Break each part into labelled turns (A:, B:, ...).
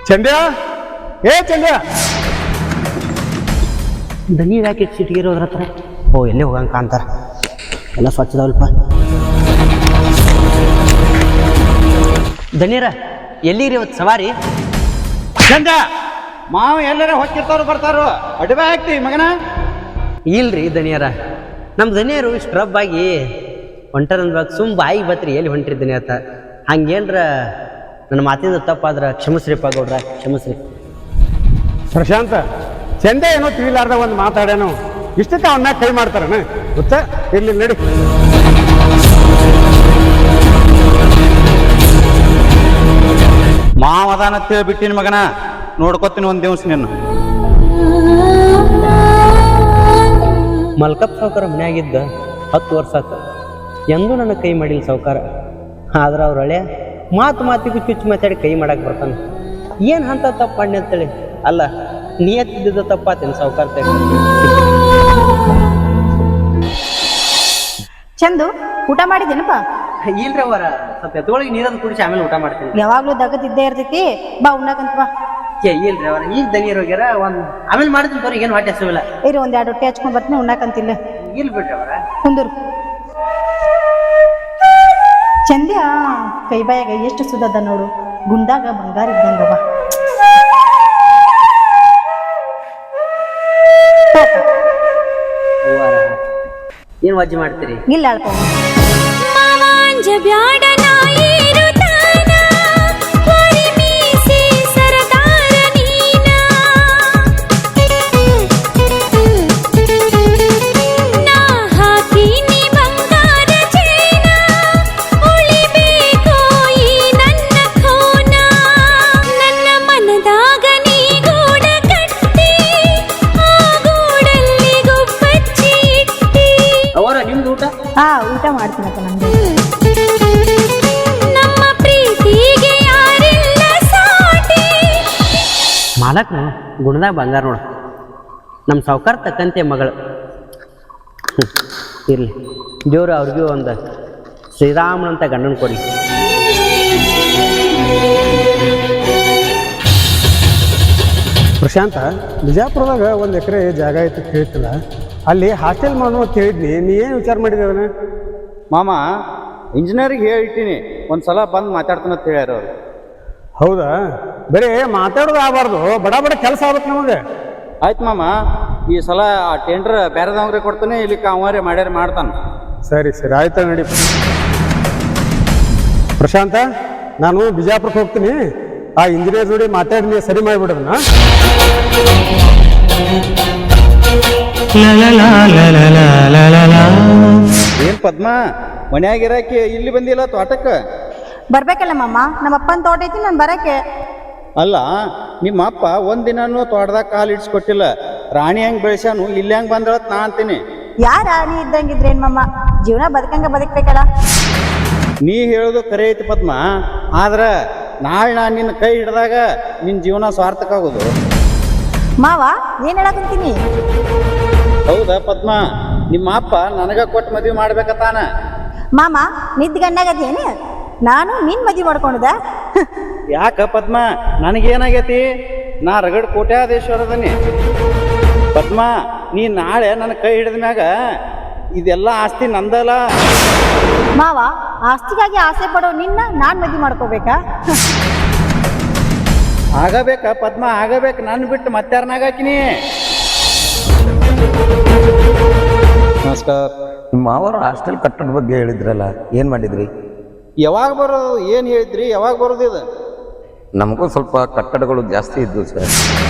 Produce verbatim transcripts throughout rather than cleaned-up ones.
A: ಚಂದ್ಯ ಏ ಚಂದ್ಯ
B: ದನಿ ಯಾಕೆ ಸಿಟಿಗಿರೋದ್ರ ಹತ್ರ ಓ ಎಲ್ಲೇ ಹೋಗಂಗೆ ಕಾಣ್ತಾರ ಎಲ್ಲ ಸ್ವಚ್ಛದವಲ್ಪ ದನೀರ ಎಲ್ಲಿರಿ ಇವತ್ತು ಸವಾರಿ
C: ಚಂದ ಮಾವ ಎಲ್ಲರ ಹೊಕ್ಕಿರ್ತಾರು ಬರ್ತಾರೋ ಅಡ್ಬೆ ಹಾಕ್ತಿ ಮಗನ
B: ಇಲ್ರಿ ದನಿಯರ ನಮ್ಮ ದನಿಯರು ಸ್ಕ್ರಬ್ ಆಗಿ ಹೊಂಟಾರಂದ್ವಾಗ ಸುಮ್ ಬಾಯಿಗೆ ಬತ್ರಿ ಎಲ್ಲಿ ಹೊಂಟ್ರಿ ದನಿ ಅಂತ ಹಂಗೇನ್ರ ನನ್ನ ಮಾತಿಂದ ತಪ್ಪಾದ್ರೆ ಕ್ಷಮಿಸ್ರಿಪ್ಪ ಗೌಡ್ರ ಕ್ಷಮಿಸ್ರಿ.
A: ಪ್ರಶಾಂತ ಚಂದ ಏನೋ ತಿಳಿಲಾರ್ದ ಒಂದು ಮಾತಾಡ್ಯಾನು ಇಷ್ಟಕ್ಕೆ ಅವನ್ನ ಕೈ ಮಾಡ್ತಾರನ ಗೊತ್ತಾ ಇರ್ಲಿ ನಡಿ.
C: ಮಾವದಾನ ಬಿಟ್ಟಿನ ಮಗನ ನೋಡ್ಕೊತೀನಿ ಒಂದ್ ದಿವ್ಸ ನಿನ್ನ.
B: ಮಲ್ಕಪ್ ಸಾವುಕಾರ ಮನ್ಯಾಗಿದ್ದ ಹತ್ತು ವರ್ಷ ಆತ ಎಂದೂ ನನ್ನ ಕೈ ಮಾಡಿಲ್ಲ ಸಾವುಕಾರ. ಆದ್ರೆ ಅವ್ರ ಹಳೆ ಮಾತು ಮಾತಿಗೂ ಚುಚ್ಚು ಮಾತಾಡಿ ಕೈ ಮಾಡಕ್ಕೆ ಬರ್ತಾನೆ. ಏನು ಅಂತ ತಪ್ಪು ಮಾಡಿ ಅಂತೇಳಿ ಅಲ್ಲ ನಿಯತ್ತಿದ್ದ ತಪ್ಪಾತೇನೆ ಸಾವುಕಾರ.
D: ಚಂದು ಊಟ ಮಾಡಿದೇನಪ್ಪ?
B: ಇಲ್ರಿ ಅವರ ಸ್ವಲ್ಪ ಎತ್ತೊಳಗೆ ನೀರನ್ನು ಕುಡಿಸಿ ಆಮೇಲೆ ಊಟ ಮಾಡ್ತೀನಿ.
D: ಯಾವಾಗ್ಲೂ ದಗದಿದ್ದೇ ಇರ್ತೈತಿ, ಬಾ ಉಣ್ಣಾಕಂತ ಬಾ.
B: ಏ ಇಲ್ರಿ ಅವರ ಈಗ ದನಿಯರ್ ಹೋಗ್ಯಾರ ಒಂದು ಆಮೇಲೆ ಮಾಡ್ತೀನಿ ತೋರಿ, ಏನು ಹೊಟ್ಟೆ ಹಸಿವಿಲ್ಲ.
D: ಇರು ಒಂದ್ ಎರಡು ರೊಟ್ಟಿ ಹಚ್ಕೊಂಡ್ ಬರ್ತೀನಿ, ಉಣ್ಣಾಕಂತಿಲ್ಲ.
B: ಇಲ್ಲ ಬಿಡ್ರಿ ಅವರ
D: ಕುಂದೂರು. ಚಂದ್ಯ ಕೈ ಬಾಯಾಗ ಎಷ್ಟು ಸುದದ ನೋಡು, ಗುಂಡಾಗ ಬಂಗಾರ ಇದ್ದಂಗವ.
B: ಏನು ವಜ್ಜಿ ಮಾಡ್ತೀರಿ?
D: ಇಲ್ಲ ಅಲ್ಪ ಹಾ ಊಟ ಮಾಡ್ತೀನಪ್ಪ. ನಮ್ದು
B: ಮಾಲಕ್ನು ಗುಣದಾಗ ಬಂಗಾರ ನೋಡು, ನಮ್ಮ ಸಾವುಕಾರ ತಕ್ಕಂತೆ ಮಗಳು. ಇರಲಿ ದೇವ್ರು ಅವ್ರಿಗೂ ಒಂದು ಶ್ರೀರಾಮನಂತ ಗಂಡನ ಕೊಡಿ.
A: ಪ್ರಶಾಂತ ಬಿಜಾಪುರದಾಗ ಒಂದು ಎಕರೆ ಜಾಗ ಐತಿ ಕೇಳ್ತಿಲ್ಲ, ಅಲ್ಲಿ ಹಾಸ್ಟೆಲ್ ಮಾಡು ಅಂತ ಹೇಳಿದ್ನಿ, ನೀ ಏನು ವಿಚಾರ ಮಾಡಿದೆ ಅದನ್ನ?
C: ಮಾಮ ಇಂಜಿನಿಯರಿಗೆ ಹೇಳಿಟ್ಟಿನಿ ಒಂದ್ಸಲ ಬಂದು ಮಾತಾಡ್ತಾನೆ ಅಂತ ಹೇಳ್ಯಾರ ಅವ್ರು.
A: ಹೌದಾ? ಬರೀ ಮಾತಾಡೋದು ಆಗಬಾರ್ದು, ಬಡ ಬಡ ಕೆಲಸ ಆಗ್ಬೇಕು ನಮಗೆ.
C: ಆಯ್ತು ಮಾಮ, ಈ ಸಲ ಆ ಟೆಂಡರ್ ಬೇರೆದವ್ರಿಗೆ ಕೊಡ್ತಾನೆ, ಇಲ್ಲಿ ಅವರೇ ಮಾಡ್ಯಾರ ಮಾಡ್ತಾನೆ.
A: ಸರಿ ಸರಿ ಆಯ್ತಾ, ನಡಿ. ಪ್ರಶಾಂತ ನಾನು ಬಿಜಾಪುರಕ್ಕೆ ಹೋಗ್ತೀನಿ, ಆ ಇಂಜಿನಿಯರ್ ಜೋಡಿ ಮಾತಾಡಿ ನೀವು ಸರಿ ಮಾಡಿಬಿಡೋದನ್ನ.
C: ಏನ್ ಪದ್ಮ ಮನ್ಯಾಗಿರಾಕಿ ಇಲ್ಲಿ ಬಂದಿಲ್ಲ ತೋಟಕ್ಕೆ?
D: ಬರ್ಬೇಕಲ್ಲ ಮಾಮ, ನಮ್ಮ ಅಪ್ಪನ ತೋಟ ಐತಿ, ನಾನು ಬರಕ್ಕೆ.
C: ಅಲ್ಲ ನಿಮ್ಮ ಅಪ್ಪ ಒಂದಿನೂ ತೋಟದಾಗ ಕಾಲು ಇಡ್ಸ್ಕೊಟ್ಟಿಲ್ಲ, ರಾಣಿ ಹೆಂಗ್ ಬೆಳೆಸ್ಯಾನು ಇಲ್ಲಿ ಹೆಂಗ್ ಬಂದಳತ್ ನಾ ಅಂತೀನಿ.
D: ಯಾರ ನೀ ಇದ್ದಂಗಿದ್ರೇನ್ ಮಾಮ, ಜೀವನ ಬದುಕಂಗ ಬದುಕ್ಬೇಕಲ್ಲ.
C: ನೀ ಹೇಳೋದು ಕರೆ ಐತಿ ಪದ್ಮ, ಆದ್ರ ನಾಳೆ ನಾನು ನಿನ್ನ ಕೈ ಹಿಡ್ದಾಗ ನಿನ್ನ ಜೀವನ ಸಾರ್ಥಕ ಆಗೋದು.
D: ಮಾವ ಏನ್ ಹೇಳಕಂತೀನಿ?
C: ಹೌದಾ ಪದ್ಮ, ನಿಮ್ಮ ಅಪ್ಪ ನನಗ ಕೊಟ್ಟು ಮದ್ವೆ ಮಾಡ್ಬೇಕತ್ತಾನ.
D: ಮಾಮ ನಿದ್ ಗಂಡಾಗದೇನು, ನಾನು ನಿನ್ ಮದ್ವೆ ಮಾಡ್ಕೊಂಡದ?
C: ಯಾಕ ಪದ್ಮ, ನನಗೇನಾಗೈತಿ? ನಾ ರಗಡ್ ಕೋಟ್ಯಾಧೀಶ್ವರದನಿ. ಪದ್ಮ ನೀ ನಾಳೆ ನನ್ನ ಕೈ ಹಿಡಿದ ಮ್ಯಾಗ ಇದೆಲ್ಲ ಆಸ್ತಿ ನಂದಲ್ಲ.
D: ಮಾವ ಆಸ್ತಿಗಾಗಿ ಆಸೆ ಪಡೋ ನಿನ್ನ ನಾನ್ ಮದ್ವೆ ಮಾಡ್ಕೋಬೇಕಾ?
C: ಆಗಬೇಕಾ ಪದ್ಮ, ಆಗಬೇಕು. ನಾನು ಬಿಟ್ಟು ಮತ್ತಾರನಾಗಾಕಿನಿ. ನಮಸ್ಕಾರ.
E: ನಿಮ್ಮ ಮಾವರು ಹಾಸ್ಟೆಲ್ ಕಟ್ಟಡ ಬಗ್ಗೆ ಹೇಳಿದ್ರಲ್ಲ, ಏನು ಮಾಡಿದ್ರಿ?
C: ಯಾವಾಗ ಬರೋದು? ಏನು ಹೇಳಿದ್ರಿ? ಯಾವಾಗ ಬರೋದು ಇದು?
E: ನಮಗೂ ಸ್ವಲ್ಪ ಕಟ್ಟಡಗಳು ಜಾಸ್ತಿ ಇದ್ವು ಸರ್.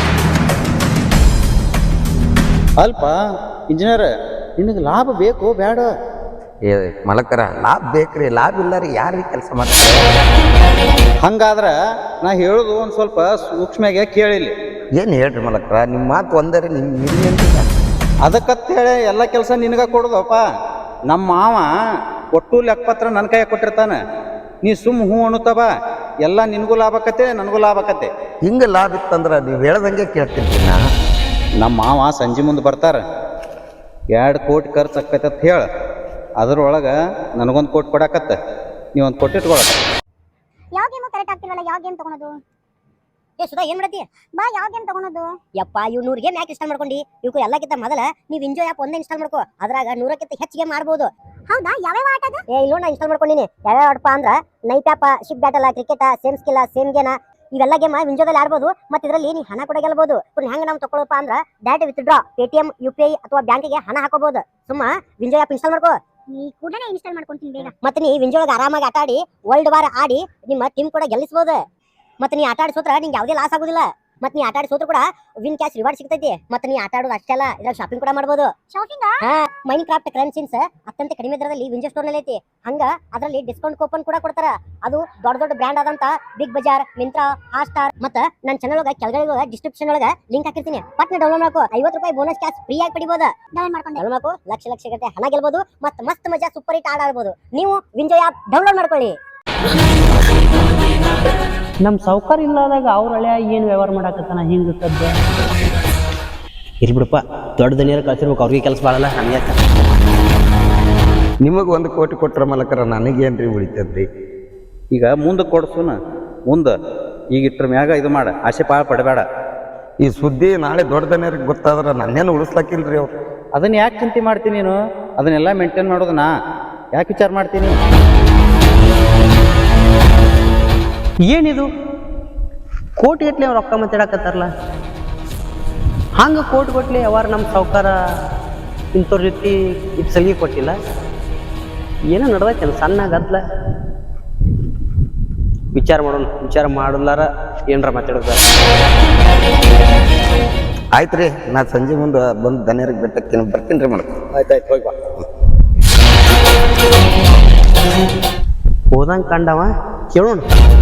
C: ಅಲ್ಪ ಇಂಜಿನಿಯರ್, ನಿನಗೆ ಲಾಭ ಬೇಕು ಬೇಡ?
E: ಏ ಮಲಕರ, ಲಾಭ ಬೇಕ್ರಿ, ಲಾಭ ಇಲ್ಲಾರಿ ಯಾರಿಗೆ ಕೆಲಸ ಮಾಡ್ತಾರೆ?
C: ಹಂಗಾದ್ರೆ ನಾ ಹೇಳೋದು ಒಂದು ಸ್ವಲ್ಪ ಸೂಕ್ಷ್ಮಗೆ ಕೇಳಿಲ್ಲ.
E: ಏನು ಹೇಳ್ರಿ ಮಲಕರ, ನಿಮ್ಮ ಮಾತು ಒಂದರೆ ನಿಮ್ಮ ಹಿರಿಯಂತಿಲ್ಲ.
C: ಅದಕ್ಕಂತ ಹೇಳಿ ಎಲ್ಲ ಕೆಲಸ ನಿನಗ ಕೊಡೋದಪ್ಪ. ನಮ್ಮ ಮಾವ ಒಟ್ಟು ಲೆಕ್ಕಪತ್ರ ನನ್ನ ಕೈಯಾಗ ಕೊಟ್ಟಿರ್ತಾನೆ. ನೀ ಸುಮ್ಮ ಹೂ ಅಣುತ್ತವ, ಎಲ್ಲ ನಿನಗೂ ಲಾಭ ಆಕತ್ತೆ, ನನಗೂ ಲಾಭ ಆಕತ್ತೆ.
E: ಹಿಂಗೆ ಲಾಭ ಇತ್ತಂದ್ರೆ ನೀವು ಹೇಳ್ದಂಗೆ ಕೇಳ್ತೀನಿ. ನಾ
C: ನಮ್ಮ ಮಾವ ಸಂಜೆ ಮುಂದೆ ಬರ್ತಾರೆ, ಎರಡು ಕೋಟಿ ಖರ್ಚು ಆಕತ್ತೆ ಅಂತ ಹೇಳಿ ಅದ್ರೊಳಗೆ ನನಗೊಂದು ಕೋಟಿ ಕೊಡಾಕತ್ತೆ, ನೀವೊಂದು ಕೋಟಿ ಇಟ್ಕೊಳಕ.
F: ಯಾವ ಗೇಮು ಕರೆಕ್ಟ್ ಆಗ್ತಿಲ್ವಲ್ಲ, ಯಾವ ಗೇಮ್ ತಗೊಳೋದು? ಏ ಸುಧಾ ಏನ್ ಮಾಡತ್ತಿ?
G: ಬಾ ಯಾವ ಗೇಮ್ ತಗೊಳೋದು?
F: ಯಪ್ಪ ಇವ್ ನೂರ್ ಗೇಮ್ ಯಾಕೆ ಇನ್ಸ್ಟಾಲ್ ಮಾಡ್ಕೊಂಡಿ? ಇವಕ್ಕೆ ಎಲ್ಲಕ್ಕಿಂತ ಮೊದಲ ನೀವ್ ಎಂಜಾಯ್ ಆಪ್ ಒಂದೇ ಇನ್ಸ್ಟಾಲ್ ಮಾಡ್ಕೋ. ಅದ್ರಾಗ ನೂರಕ್ಕಿಂತ ಹೆಚ್ಚು ಗೇಮ್ ಆಡ್ಬೋದು.
G: ಹೌದಾ, ಯಾವ್ಯಾವ ಆಟ ಅದ?
F: ಏ ಇಲ್ಲೋ ನಾ ಇನ್ಸ್ಟಾಲ್ ಮಾಡ್ಕೊಂಡಿನಿ. ಯಾವ್ಯಾವ ಆಡಪ್ಪ ಅಂದ್ರ ನೈಟ್ ಆಪ, ship battle, cricket, same skill, same ಗೇನ, ಇವೆಲ್ಲ ಗೇಮ್ ವಿಂಜೋದಲ್ಲಿ ಆಡ್ಬೋದು. ಮತ್ತೆ ಇದರಲ್ಲಿ ನೀ ಹಣ ಕೂಡ ಗೆಲ್ಬಹುದು. ಹೆಂಗ್ ನಾವು ತಗೊಳ್ಳಪ್ಪ ಅಂದ್ರ direct withdraw Paytm, U P I ಅಥವಾ ಬ್ಯಾಂಕಿಗೆ ಹಣ ಹಾಕೋಬಹುದು. ಸುಮ್ಮ ವಿಂಜೋ ಆಪ್ ಇನ್ಸ್ಟಾಲ್ ಮಾಡ್ಕೋ.
G: ಈ ಕೂಡಲೇ ಇನ್ಸ್ಟಾಲ್ ಮಾಡ್ಕೊಂತೀನಿ ಬೇಗ.
F: ಮತ್ತೆ ನೀ ವಿಂಜೋಳಗ ಆರಾಮಾಗಿ ಆಟ ಆಡಿ ವರ್ಲ್ಡ್ ವಾರ್ ಆಡಿ ನಿಮ್ಮ ಟೀಮ್ ಕೂಡ ಗೆಲ್ಲಿಸಬಹುದು. ಮತ್ತೆ ನೀ ಆಟ ಆಡಿ ಸೋತ್ರ ನಿಂಗೆ ಯಾವುದೇ ಲಾಸ್ ಆಗುದಿಲ್ಲ. ಮತ್ತೆ ನೀ ಆಟ ಆಡಿ ಸೋತ್ರ ಕೂಡ ವಿನ್ ಕ್ಯಾಶ್ ರಿವಾರ್ಡ್ ಸಿಗ್ತೈತಿ. ಮತ್ತೆ ನೀ ಆಟ ಆಡೋದು ಅಷ್ಟೇ ಅಲ್ಲ, ಇದ್ರಾಗ ಶಾಪಿಂಗ್ ಕೂಡ ಮಾಡಬಹುದು.
G: ಶಾಪಿಂಗ್?
F: ಹಾ, ಮೈನ್ ಕ್ರಾಫ್ಟ್ ಕರೆನ್ಸಿನ್ಸ್ ಅತ್ಯಂತ ಕಡಿಮೆ ದರದಲ್ಲಿ ವಿಂಜೋ ಸ್ಟೋರ್ ನಲ್ಲಿ ಐತಿ. ಹಂಗ ಅದರಲ್ಲಿ ಡಿಸ್ಕೌಂಟ್ ಕೂಪನ್ ಕೂಡ ಕೊಡ್ತಾರ. ಅದು ದೊಡ್ಡ ದೊಡ್ಡ ಬ್ರ್ಯಾಂಡ್ ಆದಂತ Big Bazaar, Myntra, Hotstar ಮತ್ತ ನನ್ನ ಚಾನಲ್ ಒಳಗ ಕೆಳಗಡೆ ಡಿಸ್ಕ್ರಿಪ್ಷನ್ ಒಳಗ ಲಿಂಕ್ ಹಾಕಿರ್ತೀನಿ. ಪಟ್ನ ಡೌನ್ಲೋಡ್ ಮಾಡ್ಕೋ. ಐವತ್ತು ರೂಪಾಯಿ ಬೋನಸ್ ಕ್ಯಾಶ್ ಫ್ರೀ ಆಗಿ ಪಡಿಬಹುದು.
G: ಡೌನ್ಲೋಡ್ ಮಾಡ್ಕೊಂಡೆ.
F: ಡೌನ್ಲೋಡ್ ಮಾಡ್ಕೋ. ಲಕ್ಷ ಲಕ್ಷ ಗಟ್ಟೆ ಹಣ ಗೆಲ್ಬಹುದು. ಮತ್ತ ಮಸ್ತ್ ಮಜಾ ಸೂಪರ್ ಹಿಟ್ ಆಡ ಆಡ್ಬೋದು. ನೀವು ವಿಂಜೋ ಆಪ್ ಡೌನ್ಲೋಡ್ ಮಾಡ್ಕೊಳ್ಳಿ.
B: ನಮ್ಮ ಸೌಕರ್ ಇಲ್ಲದಾಗ ಅವ್ರ ಹಳೆ ಏನು ವ್ಯವಹಾರ ಮಾಡಾಕತ್ತಾನ ಹಿಂಗೆ ಸದ್ಯ ಇರ್ಲಿ ಬಿಡಪ್ಪ. ದೊಡ್ಡ ದನಿಯರು ಕಳ್ಸಿರ್ಬೇಕು, ಅವ್ರಿಗೆ ಕೆಲಸ ಮಾಡಲ್ಲ ನಮಗೆ.
E: ನಿಮಗೆ ಒಂದು ಕೋಟಿ ಕೊಟ್ಟರೆ ಮಲಕರ ನನಗೇನ್ರಿ ಉಳಿತದ್ರಿ?
C: ಈಗ ಮುಂದೆ ಕೊಡ್ಸುನ ಮುಂದೆ ಈಗ ಇಟ್ರ ಮ್ಯಾಗ ಇದು ಮಾಡ, ಆಸೆ ಪಾಳ ಪಡಬೇಡ.
E: ಈ ಸುದ್ದಿ ನಾಳೆ ದೊಡ್ಡದನೇರಿಗೆ ಗೊತ್ತಾದ್ರೆ ನನ್ನೇನು ಉಳಿಸ್ಲಾಕಿಲ್ರಿ ಅವ್ರು.
C: ಅದನ್ನ ಯಾಕೆ ಚಿಂತೆ ಮಾಡ್ತೀನಿ ನೀನು? ಅದನ್ನೆಲ್ಲ ಮೇಂಟೈನ್ ಮಾಡೋದು ನಾ ಯಾಕೆ ವಿಚಾರ ಮಾಡ್ತೀನಿ?
B: ಏನಿದು ಕೋಟಿ ಗಟ್ಲೆ ಅವ್ರು ರೊಕ್ಕ ಮಾತಾಡಕತ್ತಾರಲ್ಲ, ಹಂಗೆ ಕೋಟಿ ಗಟ್ಲೆ ಯಾವಾರ ನಮ್ಮ ಸಾವುಕಾರ ಇಂಥವ್ರ ಜೊತೆ ಇದು ಸಲಿಗೆ ಕೊಟ್ಟಿಲ್ಲ. ಏನೋ ನಡ್ದೈತೆ ಸಣ್ಣ ಗದ್ಲ. ವಿಚಾರ ಮಾಡೋಣ, ವಿಚಾರ ಮಾಡಲಾರ ಏನರ ಮಾತಾಡೋದ.
E: ಆಯ್ತು ರೀ, ನಾ ಸಂಜೆ ಮುಂದೆ ಬಂದು ದನಿಯರಿಗೆ ಬೆಟ್ಟಕ್ಕೆ ಬರ್ತೀನಿ ರೀ ಮಾಡಕ್ಕೆ.
C: ಆಯ್ತಾಯ್ತು, ಹೋಗಿ ಬಾ.
B: ಹೋದಂಗೆ ಕಂಡವ ಕೇಳೋಣ.